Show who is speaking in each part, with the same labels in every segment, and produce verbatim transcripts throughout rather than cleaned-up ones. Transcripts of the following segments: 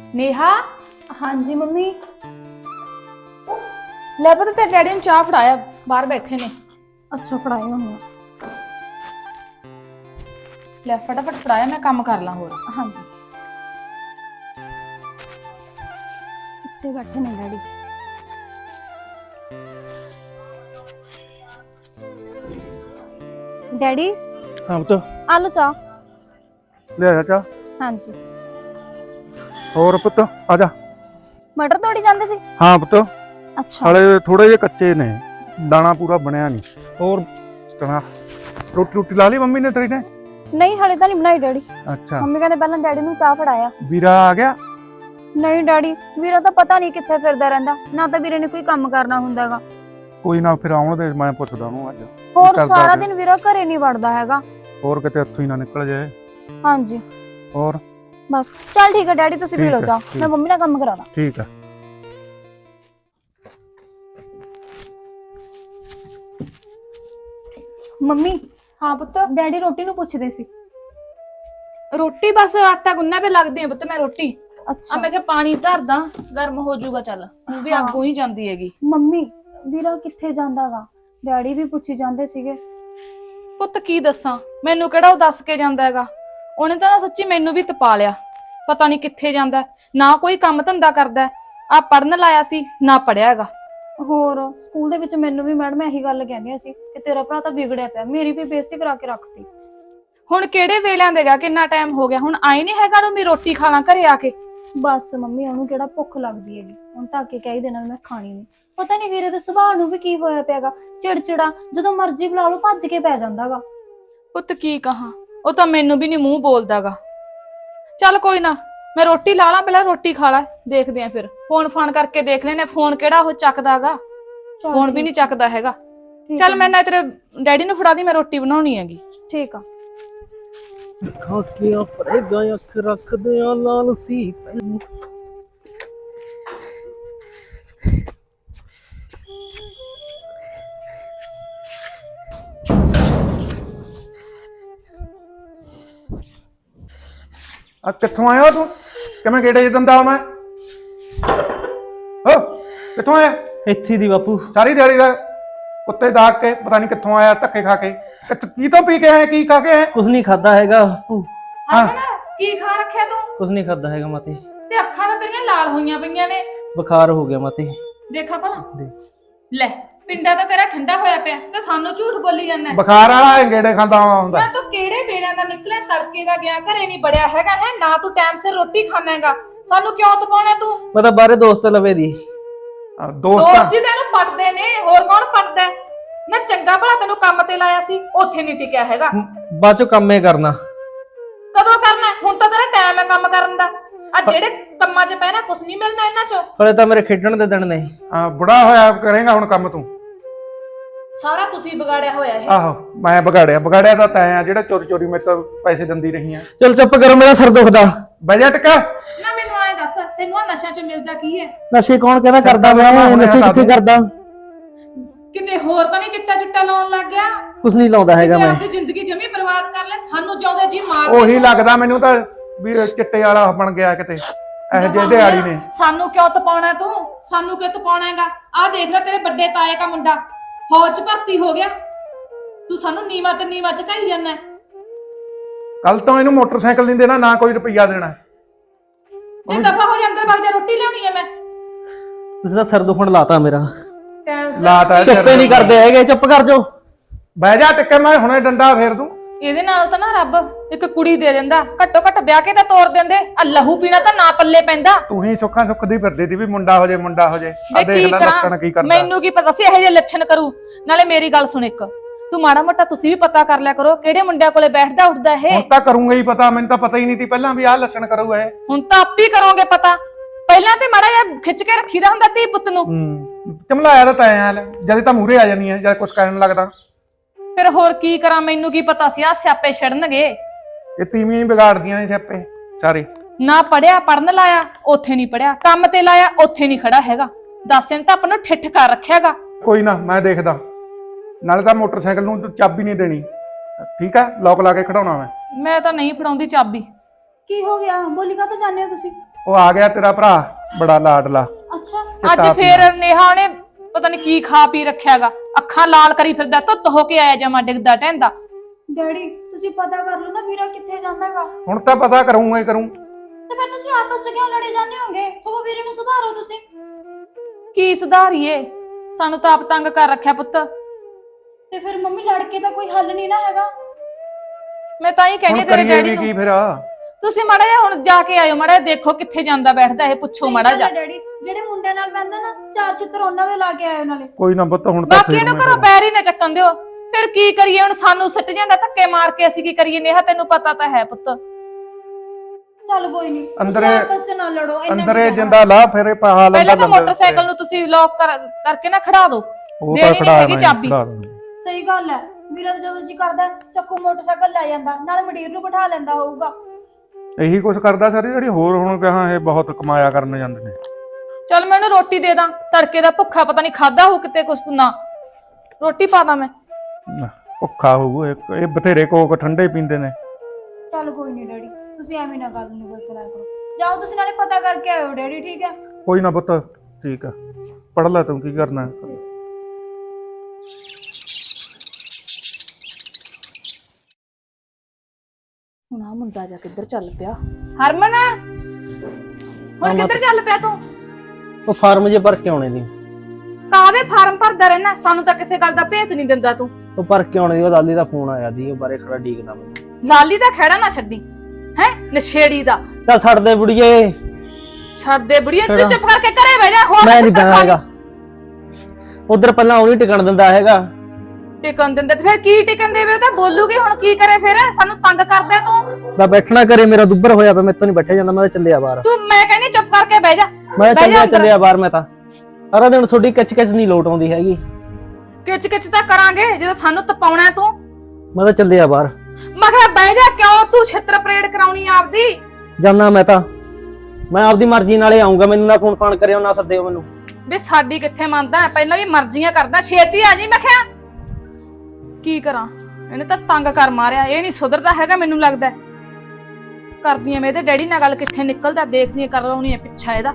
Speaker 1: नेहा
Speaker 2: हाँ जी मम्मी।
Speaker 1: ले पता तेरे डैडी ने चाह फड़ाया बाहर बैठे ने।
Speaker 2: अच्छा फड़ाए होने।
Speaker 1: ले फटाफट फड़ाया मैं काम कर ला होर।
Speaker 2: हाँ जी कितने बैठे ने डैडी। डैडी
Speaker 3: हाँ पुत
Speaker 2: आलो चाह।
Speaker 3: ले आया चाह।
Speaker 2: हाँ जी
Speaker 3: और पुत आजा।
Speaker 2: मटर तोड़ी जाते सी।
Speaker 3: हाँ पुत
Speaker 2: अच्छा
Speaker 3: हाले थोड़े जे कच्चे ने, दाना पूरा बनया नहीं। और सुना रोटी रोटी ला ली मम्मी ने तेरी ने?
Speaker 2: नहीं हाले तो नहीं बनाई डैडी।
Speaker 3: अच्छा
Speaker 2: मम्मी कहते पहले डैडी ਨੂੰ ਚਾਹ ਫੜਾਇਆ।
Speaker 3: ਵੀਰਾ ਆ ਗਿਆ?
Speaker 2: नहीं डैडी ਵੀਰਾ ਤਾਂ ਪਤਾ ਨਹੀਂ ਕਿੱਥੇ ਫਿਰਦਾ ਰਹਿੰਦਾ, ਨਾ ਤਾਂ ਵੀਰੇ ਨੇ ਕੋਈ ਕੰਮ ਕਰਨਾ ਹੁੰਦਾਗਾ।
Speaker 3: ਕੋਈ ਨਾ ਫਿਰ ਆਉਣ ਦੇ, ਮੈਂ ਪੁੱਛਦਾ ਉਹਨੂੰ ਅੱਜ।
Speaker 2: ਹੋਰ
Speaker 3: ਕਰਦਾ
Speaker 2: ਸਾਰਾ
Speaker 3: ਫਿਰ?
Speaker 2: ਦਿਨ ਵੀਰਾ ਘਰੇ ਨਹੀਂ ਵੜਦਾ ਹੈਗਾ।
Speaker 3: ਹੋਰ ਕਿਤੇ ਹੱਥੋਂ ਹੀ ਨਾ ਨਿਕਲ ਜਾਏ।
Speaker 2: ਹਾਂਜੀ
Speaker 3: ਹੋਰ
Speaker 2: ਬਸ ਚੱਲ ਠੀਕ ਹੈ ਡੈਡੀ ਤੁਸੀਂ ਪੀ
Speaker 3: ਠੀਕ
Speaker 2: ਲਓ
Speaker 3: ਹੈ,
Speaker 2: ਚਾਹ,
Speaker 3: ਠੀਕ।
Speaker 2: ਮੈਂ ਮੰਮੀ ਨਾਲ ਕੰਮ ਕਰਾਉਣਾ।
Speaker 3: ਠੀਕ ਹੈ।
Speaker 2: ਮੰਮੀ
Speaker 1: हाँ पुत
Speaker 2: ਡੈਡੀ ਰੋਟੀ ਨੂੰ ਪੁੱਛਦੇ ਸੀ।
Speaker 1: रोटी बस आटा गुन्ना पे लगदी है पुत मैं रोटी।
Speaker 2: ਅੱਛਾ
Speaker 1: आ मैं क्या पानी धर दा गर्म हो जाऊगा चल। वो भी
Speaker 2: हाँ।
Speaker 1: अगों ही जांदी हैगी।
Speaker 2: ਮੰਮੀ ਵੀਰਾ ਕਿੱਥੇ ਜਾਂਦਾਗਾ? ਡੈਡੀ ਵੀ ਪੁੱਛੀ ਜਾਂਦੇ ਸੀਗੇ।
Speaker 1: ਪੁੱਤ ਕੀ ਦੱਸਾਂ ਮੈਨੂੰ ਕਿਹੜਾ ਉਹ ਦੱਸ ਕੇ ਜਾਂਦਾ ਹੈਗਾ। ਉਹਨੇ ਤਾਂ ਨਾ ਸੱਚੀ ਮੈਨੂੰ ਵੀ ਤਪਾ ਲਿਆ। ਪਤਾ ਨਹੀਂ ਕਿੱਥੇ ਜਾਂਦਾ, ਨਾ ਕੋਈ ਕੰਮ ਧੰਦਾ ਕਰਦਾ। ਆ ਪੜਨ ਲਾਇਆ ਸੀ ਨਾ ਪੜਿਆ ਹੈਗਾ।
Speaker 2: ਹੋਰ ਸਕੂਲ ਦੇ ਵਿੱਚ ਮੈਨੂੰ ਵੀ ਮੈਡਮ ਇਹੀ ਗੱਲ ਕਹਿੰਦੀਆਂ ਸੀ ਕਿ ਤੇਰਾ ਭਰਾ ਤਾਂ ਵਿਗੜਿਆ ਪਿਆ, ਮੇਰੀ ਵੀ ਬੇਇੱਜ਼ਤੀ ਕਰਾ ਕੇ ਰੱਖਤੀ।
Speaker 1: ਹੁਣ ਕਿਹੜੇ ਵੇਲਿਆਂ ਦੇਗਾ, ਕਿੰਨਾ ਟਾਈਮ ਹੋ ਗਿਆ, ਹੁਣ ਆਈ ਨਹੀਂ ਹੈਗਾ ਨੂੰ ਮੈਂ ਰੋਟੀ ਖਾਣਾ ਘਰੇ ਆ ਕੇ।
Speaker 2: ਬਸ ਮੰਮੀ ਉਹਨੂੰ ਕਿਹੜਾ ਭੁੱਖ ਲੱਗਦੀ ਹੈਗੀ, ਹੁਣ ਤਾਂ ਕੇ ਕਹਿ ਦੇਣਾ ਮੈਂ ਖਾਣੀ ਨਹੀਂ। ਪਤਾ ਨਹੀਂ ਵੀਰੇ ਦੇ ਸੁਭਾਅ ਨੂੰ ਵੀ ਕੀ ਹੋਇਆ ਪਿਆਗਾ, ਚਿੜਚਿੜਾ ਜਦੋਂ ਮਰਜ਼ੀ ਬੁਲਾ ਲਓ ਭੱਜ ਕੇ ਪੈ ਜਾਂਦਾਗਾ।
Speaker 1: ਪੁੱਤ ਕੀ ਕਹਾਂ, ਉਹ ਤਾਂ ਮੈਨੂੰ ਵੀ ਨਹੀਂ ਮੂੰਹ ਬੋਲਦਾਗਾ। ਚੱਲ ਕੋਈ ਨਾ ਮੈਂ ਰੋਟੀ ਲਾ ਲਾਂ, ਪਹਿਲਾਂ ਰੋਟੀ ਖਾ ਲੈ, ਦੇਖਦੇ ਆਂ ਫਿਰ। ਫੋਨ ਫਾਨ ਕਰਕੇ ਦੇਖ ਲੈਨੇ, ਫੋਨ ਕਿਹੜਾ ਉਹ ਚੱਕਦਾਗਾ, ਫੋਨ ਵੀ ਨਹੀਂ ਚੱਕਦਾ ਹੈਗਾ। ਚੱਲ ਮੈਂ ਨਾ ਤੇਰੇ ਡੈਡੀ ਨੂੰ ਫੜਾ ਦੀ, ਮੈਂ ਰੋਟੀ ਬਣਾਉਣੀ ਹੈਗੀ।
Speaker 2: ਠੀਕ ਆ।
Speaker 4: ਖਾ ਕੇ ਆਪਰੇਗਾ ਅੱਖ ਰੱਖਦੇ ਆ ਲਾਲ ਸੀ ਪਹਿਲੀ।
Speaker 3: ਆ ਕਿੱਥੋਂ ਆਇਆ ਤੂੰ? ਕਿਵੇਂ ਗੇੜੇ ਚ ਦੰਦਾ ਮੈਂ? ਹੋ ਕਿੱਥੋਂ ਆਇਆ?
Speaker 4: ਇੱਥੇ ਦੀ ਬਾਪੂ
Speaker 3: ਸਾਰੀ ਦਿਹਾੜੀ ਦਾ ਕੁੱਤੇ ਦਾਗ ਕੇ ਪਤਾ ਨਹੀਂ ਕਿੱਥੋਂ ਆਇਆ, ਧੱਕੇ ਖਾ ਕੇ। ਕਿੱਥ- ਕੀ ਤੋਂ ਪੀ ਕੇ ਆਇਆ, ਕੀ ਖਾ ਕੇ ਆਇਆ?
Speaker 4: ਕੁਝ ਨਹੀਂ ਖਾਦਾ ਹੈਗਾ ਬਾਪੂ,
Speaker 3: ਹਾਂ
Speaker 1: ਕੀ ਖਾ ਰੱਖਿਆ ਤੂੰ?
Speaker 4: ਕੁਝ ਨਹੀਂ ਖਾਦਾ ਹੈਗਾ ਮਾਤੇ।
Speaker 1: ਤੇ ਅੱਖਾਂ ਤਾਂ ਤੇਰੀਆਂ ਲਾਲ ਹੋਈਆਂ ਪਈਆਂ ਨੇ।
Speaker 4: ਬੁਖਾਰ ਹੋ ਗਿਆ ਮਾਤੇ।
Speaker 1: ਦੇਖਾ ਭਲਾ
Speaker 4: ਦੇਖ
Speaker 1: ਲੈ, ਪਿੰਡਾ ਤਾਂ ਤੇਰਾ ਠੰਡਾ ਹੋਇਆ ਪਿਆ ਤੇ ਸਾਨੂੰ ਝੂਠ ਬੋਲੀ ਜਾਂਦਾ।
Speaker 3: ਬੁਖਾਰ ਵਾਲਾ ਇਹ ਗੇੜੇ ਖਾਂਦਾ ਹੁੰਦਾ।
Speaker 1: ਮੈਂ ਤੂੰ ਕਿਹੜੇ ਵੇਲਿਆਂ ਦਾ ਨਿਕਲਿਆ, ਤੜਕੇ ਦਾ ਗਿਆ, ਘਰੇ ਨਹੀਂ ਬੜਿਆ ਹੈਗਾ ਹੈ ਨਾ, ਤੂੰ ਟਾਈਮ ਸਿਰ ਰੋਟੀ ਖਾਣਾ ਹੈਗਾ। ਸਾਨੂੰ ਕਿਉਂ ਤਪਾਉਣਾ ਤੂੰ?
Speaker 4: ਮੈਂ ਤਾਂ ਬਾਰੇ ਦੋਸਤ ਲਵੇ ਦੀ।
Speaker 3: ਆ, ਦੋਸਤ
Speaker 1: ਦੋਸਤ ਹੀ ਤੈਨੂੰ ਪੜਦੇ ਨੇ, ਹੋਰ ਕੌਣ ਪੜਦਾ ਨਾ? ਚੰਗਾ ਭਲਾ ਤੈਨੂੰ ਕੰਮ ਤੇ ਲਾਇਆ ਸੀ, ਉੱਥੇ ਨਹੀਂ ਟਿਕਿਆ ਹੈਗਾ।
Speaker 4: ਬਾਅਦ ਚੋਂ ਕੰਮੇ ਕਰਨਾ।
Speaker 1: ਕਦੋਂ ਕਰਨਾ? ਹੁਣ ਤਾਂ ਤੇਰਾ ਟਾਈਮ ਹੈ ਕੰਮ ਕਰਨ ਦਾ। ਆ ਜਿਹੜੇ ਕੰਮਾਂ 'ਚ ਪੈਣਾ ਕੁਛ ਨਹੀਂ ਮਿਲਣਾ ਇਹਨਾਂ 'ਚੋਂ।
Speaker 4: ਹਲੇ ਤਾਂ ਮੇਰੇ ਖੇਡਣ ਦੇ ਦਿਨ ਨੇ।
Speaker 3: ਆ, ਬੁੜਾ ਹੋਇਆ ਕਰੇਗਾ ਹੁਣ ਕੰਮ ਤੂੰ।
Speaker 1: ਸਾਰਾ ਤੁਸੀਂ ਵਿਗਾੜਿਆ ਹੋਇਆ ਇਹ।
Speaker 3: ਆਹੋ ਮੈਂ ਵਿਗਾੜਿਆ ਵਿਗਾੜਿਆ ਤਾਂ ਤੈਂ ਆ ਜਿਹੜਾ ਚੋਰੀ ਚੋਰੀ ਮੇਰੇ ਤੋਂ ਪੈਸੇ ਦਿੰਦੀ ਰਹੀ ਆ।
Speaker 4: ਚਲ ਚੁੱਪ ਕਰੋ, ਮੇਰਾ ਸਿਰ ਦੁਖਦਾ।
Speaker 3: ਬਜਟ ਕਾ
Speaker 1: ਨਾ ਮੈਨੂੰ ਆਏ ਦੱਸ, ਤੈਨੂੰ ਆ ਨਸ਼ਿਆਂ 'ਚ ਮਿਲਦਾ ਕੀ ਹੈ?
Speaker 4: ਨਸ਼ੇ ਕੌਣ ਕਹਿੰਦਾ ਕਰਦਾ? ਮੈਂ ਨਸ਼ੇ ਕਿੱਥੇ ਕਰਦਾ?
Speaker 1: ਕਿਤੇ ਹੋਰ ਤਾਂ ਨਹੀਂ ਚਿੱਟਾ ਚਿੱਟਾ ਲਾਉਣ ਲੱਗ ਗਿਆ?
Speaker 4: ਕੁਝ ਨਹੀਂ ਲਾਉਂਦਾ ਹੈਗਾ
Speaker 1: ਕਿਤੇ
Speaker 4: ਮੈਂ।
Speaker 1: ਆਪਣੀ ਜ਼ਿੰਦਗੀ ਜਮੀ ਬਰਬਾਦ ਕਰ ਲੈ, ਸਾਨੂੰ ਜਿਉਂਦੇ ਜੀ ਮਾਰ
Speaker 3: ਉਹੀ
Speaker 1: ਦੇ।
Speaker 3: ਲੱਗਦਾ ਮੈਨੂੰ ਤਾਂ ਵੀ ਚਿੱਟੇ ਵਾਲਾ ਬਣ ਗਿਆ ਕਿਤੇ ਇਹ ਜਿਹੇ ਦਿਹਾੜੀ ਨੇ।
Speaker 1: ਸਾਨੂੰ ਕਿਉਂ ਤਪਾਉਣਾ ਤੂੰ? ਸਾਨੂੰ ਕਿਉਂ ਤਪਾਉਣਾ ਹੈਗਾ? ਆਹ ਦੇਖ ਲੈ ਤੇਰੇ ਵੱਡੇ ਤਾਏ ਦਾ ਮੁੰਡਾ ਫੌਜ 'ਚ ਭਰਤੀ ਹੋ ਗਿਆ, ਤੂੰ ਸਾਨੂੰ ਨੀਵਾ ਤੇ ਨੀਵਾ ਚਕਾਈ ਜਾਂਦਾ।
Speaker 3: ਕੱਲ ਤੋਂ ਇਹਨੂੰ ਮੋਟਰਸਾਈਕਲ ਨਹੀਂ ਦੇਣਾ, ਨਾ ਕੋਈ ਰੁਪਈਆ ਦੇਣਾ।
Speaker 1: ਜੇ ਦਫਾ ਹੋ ਜਾ ਅੰਦਰ ਵਗ ਜਾ, ਰੋਟੀ ਲਿਆਉਣੀ ਹੈ ਮੈਂ।
Speaker 4: ਤੁਸੀਂ ਤਾਂ ਸਿਰ ਦੁਖਣ ਲਾਤਾ ਮੇਰਾ।
Speaker 1: ਟਾਈਮ ਸਿਰ
Speaker 3: ਲਾਤਾ
Speaker 4: ਚੁੱਪੇ ਨਹੀਂ ਕਰਦੇ ਹੈਗੇ, ਚੁੱਪ ਕਰ ਜਾਓ।
Speaker 3: ਬਹਿ ਜਾ ਟਿੱਕੇ, ਮੈਂ ਹੁਣੇ ਡੰਡਾ ਫੇਰ ਦੂੰ।
Speaker 1: ਇਹਦੇ ਨਾਲ ਤਾਂ ਨਾ ਰੱਬ ਇੱਕ ਕੁੜੀ ਦੇ ਦਿੰਦਾ, ਘੱਟੋ ਘੱਟ ਵਿਆਹ ਕੇ ਤਾਂ ਤੋਰ ਦਿੰਦੇ। ਆ ਲਹੂ ਪੀਣਾ ਤਾਂ ਨਾ ਪੱਲੇ ਪੈਂਦਾ।
Speaker 3: ਤੂੰ ਹੀ ਸੁੱਖਾਂ ਸੁੱਖ ਦੀ ਫਿਰਦੀ ਸੀ ਵੀ ਮੁੰਡਾ ਹੋ ਜੇ ਮੁੰਡਾ ਹੋ ਜੇ। ਆ
Speaker 1: ਵੇ
Speaker 3: ਦੇਖ
Speaker 1: ਕੀ
Speaker 3: ਲੈ ਲੱਛਣ ਕੀ
Speaker 1: ਕਰਾਂ,
Speaker 3: ਕਰਦਾ।
Speaker 1: ਮੈਨੂੰ ਕੀ ਪਤਾ ਸੀ ਇਹੋ ਜਿਹੇ ਲੱਛਣ ਕਰੂ। ਨਾਲੇ ਮੇਰੀ ਗੱਲ ਸੁਣ, ਇੱਕ ਤੂੰ ਮਾੜਾ ਮੋਟਾ ਤੁਸੀਂ ਵੀ ਪਤਾ ਕਰ ਲਿਆ ਕਰੋ ਕਿਹੜੇ ਮੁੰਡਿਆਂ ਕੋਲੇ ਬੈਠਦਾ ਉੱਠਦਾ ਇਹ।
Speaker 3: ਹੁਣ ਤਾਂ ਕਰੂੰਗਾ ਹੀ ਪਤਾ, ਮੈਨੂੰ ਤਾਂ ਪਤਾ ਹੀ ਨਹੀਂ ਸੀ ਪਹਿਲਾਂ ਵੀ ਆਹ ਲੱਛਣ ਕਰੂ ਇਹ।
Speaker 1: ਹੁਣ ਤਾਂ ਆਪ ਹੀ ਕਰੋਗੇ ਪਤਾ, ਪਹਿਲਾਂ ਤੇ ਮਾੜਾ ਜਿਹਾ ਖਿੱਚ ਕੇ ਰੱਖੀਦਾ ਹੁੰਦਾ ਧੀ ਪੁੱਤ ਨੂੰ।
Speaker 3: ਹੂੰ ਚਮਲਾਇਆ ਤਾਂ ਤੈਂ ਆ, ਜਦ ਤਾਂ ਮੂਹਰੇ ਆ ਜਾਨੀ ਆ ਜਦ ਕੁਝ ਕਰਨ ਲੱਗਦਾ।
Speaker 1: ਫਿਰ ਹੋਰ ਕੀ ਕਰਾਂ, ਮੈਨੂੰ ਕੀ ਪਤਾ ਸੀ ਆ ਸਿਆਪੇ ਛੜਨਗੇ।
Speaker 3: ਇਹ ਤੀਵੀਆਂ ਹੀ ਵਿਗਾੜਦੀਆਂ ਨੇ ਸਿਆਪੇ ਸਾਰੇ।
Speaker 1: ਨਾ ਪੜਿਆ, ਪੜਨ ਲਾਇਆ ਉੱਥੇ ਨਹੀਂ ਪੜਿਆ, ਕੰਮ ਤੇ ਲਾਇਆ ਉੱਥੇ ਨਹੀਂ ਖੜਾ ਹੈਗਾ। ਦਸ ਦਿਨ ਤਾਂ ਆਪਾਂ ਨੂੰ ਠਿੱਠ ਕਰ ਰੱਖਿਆਗਾ।
Speaker 3: ਕੋਈ ਨਾ ਮੈਂ ਦੇਖਦਾ, ਨਾਲੇ ਤਾਂ ਮੋਟਰਸਾਈਕਲ ਨੂੰ ਤੂੰ ਚਾਬੀ ਨਹੀਂ ਦੇਣੀ, ਠੀਕ ਆ? ਲੋਕ ਲਾ ਕੇ ਖੜਾਉਣਾ ਮੈਂ।
Speaker 1: ਮੈਂ ਤਾਂ ਨਹੀਂ ਫੜਾਉਂਦੀ ਚਾਬੀ।
Speaker 2: ਕੀ ਹੋ ਗਿਆ? ਬੋਲੀ ਕਾ ਤਾਂ ਜਾਣਦੇ ਹੋ ਤੁਸੀਂ?
Speaker 3: ਉਹ ਆ ਗਿਆ ਤੇਰਾ ਭਰਾ ਬੜਾ ਲਾਡਲਾ।
Speaker 2: ਅੱਛਾ
Speaker 1: ਅੱਜ
Speaker 3: ਚਿੱਟਾ
Speaker 1: ਫੇਰ ਨੇਹਾ ਨੇ ਪਤਾ ਨਹੀਂ ਕੀ ਖਾ ਪੀ ਰੱਖਿਆਗਾ, ਅੱਖਾਂ ਲਾਲ ਕਰੀ ਫਿਰਦਾ, ਧੁੱਤ ਹੋ ਕੇ ਆਇਆ ਜਮਾ ਡਿੱਗਦਾ ਢਹਿੰਦਾ।
Speaker 2: ਡੈਡੀ ਤੁਸੀਂ ਪਤਾ ਕਰ ਲਓ ਨਾ ਵੀਰਾ ਕਿੱਥੇ ਜਾਂਦਾਗਾ।
Speaker 3: ਹੁਣ ਤਾਂ ਪਤਾ ਕਰੂੰਗਾ ਹੀ ਕਰੂੰ।
Speaker 2: ਤੇ ਫਿਰ ਤੁਸੀਂ ਆਪਸ ਚ ਕਿਉਂ ਲੜੇ ਜਾਂਦੇ ਹੋਗੇ? ਸਗੋਂ ਵੀਰੇ ਨੂੰ ਸੁਧਾਰੋ ਤੁਸੀਂ।
Speaker 1: ਕੀ ਸੁਧਾਰੀਏ, ਸਾਨੂੰ ਤਾਂ ਆਪ ਤੰਗ ਕਰ ਰੱਖਿਆ ਪੁੱਤ।
Speaker 2: ਤੇ ਫਿਰ ਮੰਮੀ ਲੜ ਕੇ ਤਾਂ ਕੋਈ ਹੱਲ ਨਹੀਂ ਨਾ ਹੈਗਾ।
Speaker 1: ਮੈਂ ਤਾਂ ਹੀ ਕਹਿੰਦੀ
Speaker 3: ਹੁਣ
Speaker 1: ਤੇਰੇ
Speaker 3: ਕਰੀਏ
Speaker 1: ਡੈਡੀ
Speaker 3: ਵੀ
Speaker 1: ਨੂੰ,
Speaker 3: ਕੀ ਫਿਰ?
Speaker 1: ਤੁਸੀਂ ਮਾੜਾ ਜਿਹਾ ਹੁਣ ਜਾ ਕੇ ਆਇਓ, ਮਾੜਾ ਜਿਹਾ ਦੇਖੋ ਕਿੱਥੇ ਜਾਂਦਾ ਬੈਠਦਾ ਇਹ, ਪੁੱਛੋ
Speaker 2: ਸਹੀ
Speaker 1: ਮਾੜਾ
Speaker 2: ਗੱਲ
Speaker 1: ਜਿਹਾ।
Speaker 2: ਹੈ ਡੈਡੀ, ਜਿਹੜੇ ਮੁੰਡਿਆਂ ਨਾਲ ਬੈੰਦਾ ਨਾ ਚਾਰ ਚਿੱਤਰ ਉਹਨਾਂ ਦੇ ਲਾ ਕੇ ਆਏ ਨਾਲੇ।
Speaker 3: ਕੋਈ ਨਾ ਪੁੱਤ, ਹੁਣ ਤਾਂ
Speaker 1: ਬਾਕੀ
Speaker 3: ਫੇਰ
Speaker 1: ਇਹਨੂੰ
Speaker 3: ਮੈਂ
Speaker 1: ਘਰੋਂ ਪੈਰ ਹੀ ਨਾ ਚੱਕਣ ਦਿਓ। ਫਿਰ ਕੀ ਕਰੀਏ ਹੁਣ, ਸਾਨੂੰ ਸਿੱਟ ਜਾਂਦਾ ਧੱਕੇ ਮਾਰ ਕੇ, ਅਸੀਂ ਕੀ ਕਰੀਏ? ਨੇਹਾ ਤੈਨੂੰ ਪਤਾ ਤਾਂ ਹੈ ਪੁੱਤ।
Speaker 2: ਚੱਲ ਕੋਈ ਨਹੀਂ,
Speaker 3: ਅੰਦਰੇ
Speaker 2: ਆਪਸ ਚ ਨਾ ਲੜੋ। ਇੰਨਾ
Speaker 3: ਅੰਦਰੇ
Speaker 2: ਕੀ ਕਹਿਣਾ।
Speaker 3: ਜਿੰਦਾ ਲਾ ਫਿਰ ਪਹਾ ਲੰਦਾ
Speaker 1: ਪਹਿਲਾਂ ਤਾਂ ਮੋਟਰਸਾਈਕਲ ਨੂੰ ਤੁਸੀਂ ਲੌਕ ਕਰਕੇ ਨਾ ਖੜਾ ਦਿਓ,
Speaker 3: ਉਹ ਤਾਂ
Speaker 1: ਦੇਣੀ ਨਹੀਂ
Speaker 3: ਖੜਾ
Speaker 1: ਹੈਗੀ ਚਾਬੀ।
Speaker 2: ਸਹੀ ਗੱਲ ਹੈ, ਵੀਰਾ ਤਾਂ ਜਦੋਂ ਜੀ ਕਰਦਾ ਚੱਕੂ ਮੋਟਰਸਾਈਕਲ ਲੈ ਜਾਂਦਾ, ਨਾਲ ਮੰਡੀਰ ਨੂੰ ਬਿਠਾ ਲੈਂਦਾ ਹੋਊਗਾ।
Speaker 3: ਇਹੀ ਕੁਛ ਕਰਦਾ ਸਾਰੀ ਜਿਹੜੀ। ਹੋਰ ਹੁਣ ਕਹਾਂ ਇਹ ਬਹੁਤ ਕਮਾਇਆ ਕਰਨ ਜਾਂਦੇ ਨੇ।
Speaker 1: ਚੱਲ ਮੈਂ ਉਹਨੂੰ ਰੋਟੀ ਦੇ ਦਾਂ, ਤੜਕੇ ਦਾ ਭੁੱਖਾ ਪਤਾ ਨਹੀਂ ਖਾਦਾ ਹੋ ਕਿਤੇ ਕੁਛ ਨਾ, ਰੋਟੀ ਪਾ ਦਾਂ ਮੈਂ।
Speaker 3: ਭੁੱਖਾ ਹੋਊ ਇਹ, ਇਹ ਬਥੇਰੇ ਕੋਕ ਠੰਡੇ ਪੀਂਦੇ ਨੇ।
Speaker 2: ਚੱਲ ਕੋਈ ਨਹੀਂ ਡੈਡੀ, ਤੁਸੀਂ ਐਵੇਂ ਨਾ ਗੱਲ ਨੂੰ ਕਰਿਆ ਕਰੋ। ਜਾਓ ਤੁਸੀਂ ਨਾਲੇ ਪਤਾ ਕਰਕੇ ਆਇਓ ਡੈਡੀ, ਠੀਕ ਹੈ?
Speaker 3: ਕੋਈ ਨਾ ਪੁੱਤ, ਠੀਕ ਆ, ਪੜ ਲੈ ਤੂੰ, ਕੀ ਕਰਨਾ ਹੈ।
Speaker 1: ਹੁਣ ਆ ਮੁੰਡਾ ਜਾ ਕਿੱਧਰ ਚੱਲ ਪਿਆ? ਹਰਮਨ ਹੁਣ ਕਿੱਧਰ ਚੱਲ ਪਿਆ ਤੂੰ?
Speaker 4: ਉਹ ਫਾਰਮ ਜੇ ਭਰ ਕੇ ਆਉਣੇ ਦੀ।
Speaker 1: ਕਾਹਦੇ ਫਾਰਮ ਭਰਦਾ ਰਹਿਣਾ? ਸਾਨੂੰ ਤਾਂ ਕਿਸੇ ਗੱਲ ਦਾ ਭੇਤ ਨਹੀਂ ਦਿੰਦਾ ਤੂੰ।
Speaker 4: ਉਹ ਭਰ ਕੇ ਆਉਣੇ ਦੀ, ਉਹ ਦਾਦੀ ਦਾ ਫੋਨ ਆਇਆ ਦੀ, ਉਹ ਬਾਰੇ ਖੜਾ ਡੀਕਦਾ ਮੈਨੂੰ।
Speaker 1: ਲਾਲੀ ਦਾ ਖਹਿੜਾ ਨਾ ਛੱਡੀ, ਹੈ ਨਸ਼ੇੜੀ ਦਾ।
Speaker 4: ਤਾਂ ਛੱਡ ਦੇ ਬੁੜੀਏ,
Speaker 1: ਛੱਡ ਦੇ ਬੁੜੀਏ, ਤੂੰ
Speaker 4: ਕਿਹੜਾ?
Speaker 1: ਚੁੱਪ ਕਰਕੇ ਘਰੇ ਬਹਿ ਜਾ। ਹੋਰ
Speaker 4: ਮੈਂ ਨਹੀਂ
Speaker 1: ਛਿੱਤਰ
Speaker 4: ਬਹਿਣਾ
Speaker 1: ਖਾ
Speaker 4: ਹੈਗਾ ਉਧਰ, ਪਹਿਲਾਂ ਉਹ ਨਹੀਂ ਟਿਕਣ ਦਿੰਦਾ ਹੈਗਾ।
Speaker 1: ਟਿਕਣ ਦਿੰਦੇ ਤੇ ਫਿਰ ਕੀ ਟਿਕਣ ਦੇਵੇ? ਉਹ ਤਾਂ ਬੋਲੂਗੀ, ਹੁਣ ਕੀ ਕਰੇ ਫਿਰ? ਸਾਨੂੰ ਤੰਗ ਕਰਦਾ ਤੂੰ।
Speaker 4: ਮੈਂ ਬੈਠਣਾ ਕਰੇ, ਮੇਰਾ ਦੁੱਬਰ ਹੋਇਆ ਪਿਆ, ਮੇਰੇ ਤੋਂ ਨਹੀਂ ਬੈਠਿਆ ਜਾਂਦਾ। ਮੈਂ ਤਾਂ ਚੱਲਿਆ ਬਾਹਰ,
Speaker 1: ਤੂੰ ਮੈਂ ਕਹਿੰਦੀ ਚੁੱਪ ਕਰਕੇ ਬਹਿ ਜਾ।
Speaker 4: ਮੈਂ
Speaker 1: ਬਹਿ ਜਾ
Speaker 4: ਚੱਲਿਆ
Speaker 1: ਅੰਦਰ।
Speaker 4: ਚੱਲਿਆ ਬਾਹਰ। ਮੈਂ ਤਾਂ ਸਾਰਾ ਦਿਨ ਤੁਹਾਡੀ ਕਿਚ ਕਿਚ ਨਹੀਂ ਲੋਟ ਆਉਂਦੀ ਹੈਗੀ।
Speaker 1: ਕਿਚ ਕਿਚ ਤਾਂ ਕਰਾਂਗੇ ਜਦੋਂ ਸਾਨੂੰ ਤਪਾਉਣਾ ਤੂੰ।
Speaker 4: ਮੈਂ ਤਾਂ ਚੱਲਿਆ ਬਾਹਰ।
Speaker 1: ਮੈਂ ਕਿਹਾ ਬਹਿ ਜਾ, ਕਿਉਂ ਤੂੰ ਛਿੱਤਰ ਪਰੇਡ ਕਰਾਉਣੀ ਆਪਦੀ?
Speaker 4: ਜਾਨਾ ਮੈਂ ਤਾਂ, ਮੈਂ ਆਪਦੀ ਮਰਜ਼ੀ ਨਾਲੇ ਆਉਂਗਾ। ਮੈਨੂੰ ਨਾ ਫੋਨ ਫਾਨ ਕਰਿਓ, ਨਾ ਸੱਦਿਓ ਮੈਨੂੰ।
Speaker 1: ਵੇ ਸਾਡੀ ਕਿੱਥੇ ਮੰਨਦਾ? ਪਹਿਲਾਂ ਵੀ ਮਰਜ਼ੀਆਂ ਕਰਦਾ, ਛੇਤੀ ਆ ਜੀ। ਮੈਂ ਕਿਹਾ ਕੀ ਕਰਾਂ, ਇਹਨੇ ਤਾਂ ਤੰਗ ਕਰ ਮਾਰਿਆ। ਇਹ ਨਹੀਂ ਸੁਧਰਦਾ ਹੈਗਾ ਮੈਨੂੰ ਲੱਗਦਾ। ਕਰਦੀ ਐ ਮੈਂ ਇਹਦੇ ਡੈਡੀ ਨਾਲ ਗੱਲ, ਕਿੱਥੇ ਨਿਕਲਦਾ ਦੇਖਦੀ ਐ, ਕਰਾਉਣੀ ਐ ਪਿੱਛਾ ਇਹਦਾ।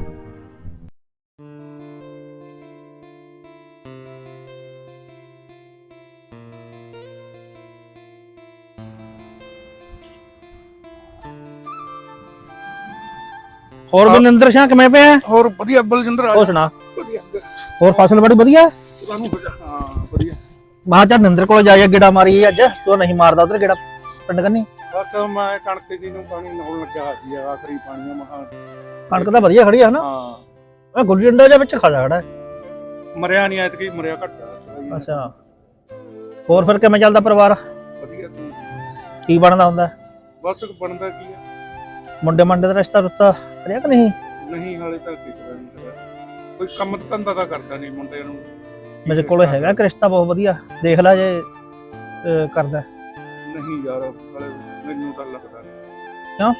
Speaker 5: ਹੋਰ ਮਨਿੰਦਰ ਸਿੰਘ ਕਿਵੇਂ ਪਿਆ?
Speaker 3: ਹੋਰ ਵਧੀਆ ਬਲਜਿੰਦਰ ਆ।
Speaker 5: ਹੋਰ ਸੁਣਾ,
Speaker 3: ਵਧੀਆ
Speaker 5: ਹੋਰ ਫਸਲ ਬੜੀ ਵਧੀਆ?
Speaker 3: ਹਾਂ ਵਧੀਆ।
Speaker 5: ਮਾਂ ਚੱਲ ਨਿੰਦਰ ਕੋਲ ਜਾਈਏ, ਗੇੜਾ ਮਾਰੀਏ ਅੱਜ। ਤੂੰ ਨਹੀਂ ਮਾਰਦਾ ਉਧਰ ਗੇੜਾ ਪਿੰਡ ਕਰਨੀ?
Speaker 3: ਬਸ ਮੈਂ ਕਣਕ ਜੀ ਨੂੰ ਪਾਣੀ ਲਾਉਣ ਲੱਗਿਆ ਸੀ, ਆਖਰੀ ਪਾਣੀ ਆ ਮਹਾ।
Speaker 5: ਕਣਕ ਤਾਂ ਵਧੀਆ ਖੜੀ ਆ ਹਨਾ?
Speaker 3: ਹਾਂ,
Speaker 5: ਇਹ ਗੁੱਲੀ ਡੰਡਾ ਦੇ ਵਿੱਚ ਖੜਾ ਖੜਾ ਹੈ।
Speaker 3: ਮਰਿਆ ਨਹੀਂ ਐਤਕੀ, ਮਰਿਆ ਘੱਟ ਆ।
Speaker 5: ਅੱਛਾ, ਹੋਰ ਫਿਰ ਕਿਵੇਂ ਚੱਲਦਾ ਪਰਿਵਾਰ?
Speaker 3: ਵਧੀਆ। ਤੂੰ
Speaker 5: ਕੀ ਬਣਦਾ ਹੁੰਦਾ?
Speaker 3: ਬਸ ਬਣਦਾ ਕੀ ਹੈ,
Speaker 5: ਮੁੰਡੇ ਮੰਡੇ ਦਾ ਰਿਸ਼ਤਾ ਰੁਸ਼ਤਾ ਕਰਿਆ ਕਿ ਨਹੀਂ?
Speaker 3: ਨਹੀਂ ਹਾਲੇ ਤੱਕ ਕਿਸੇ ਨਹੀਂ ਕਰਿਆ। ਕੋਈ ਕੰਮ ਧੰਦਾ ਤਾਂ ਕਰਦਾ ਨਹੀਂ ਮੁੰਡੇ ਨੂੰ।
Speaker 5: ਮੇਰੇ ਕੋਲ ਹੈਗਾ ਇੱਕ ਰਿਸ਼ਤਾ ਬਹੁਤ ਵਧੀਆ, ਦੇਖ ਲੈ ਜੇ ਅਹ, ਕਰਦਾ।
Speaker 3: ਨਹੀਂ ਯਾਰ, ਹਾਲੇ ਮੈਨੂੰ ਤਾਂ ਲੱਗਦਾ ਨਹੀਂ।
Speaker 5: ਕਿਉਂ?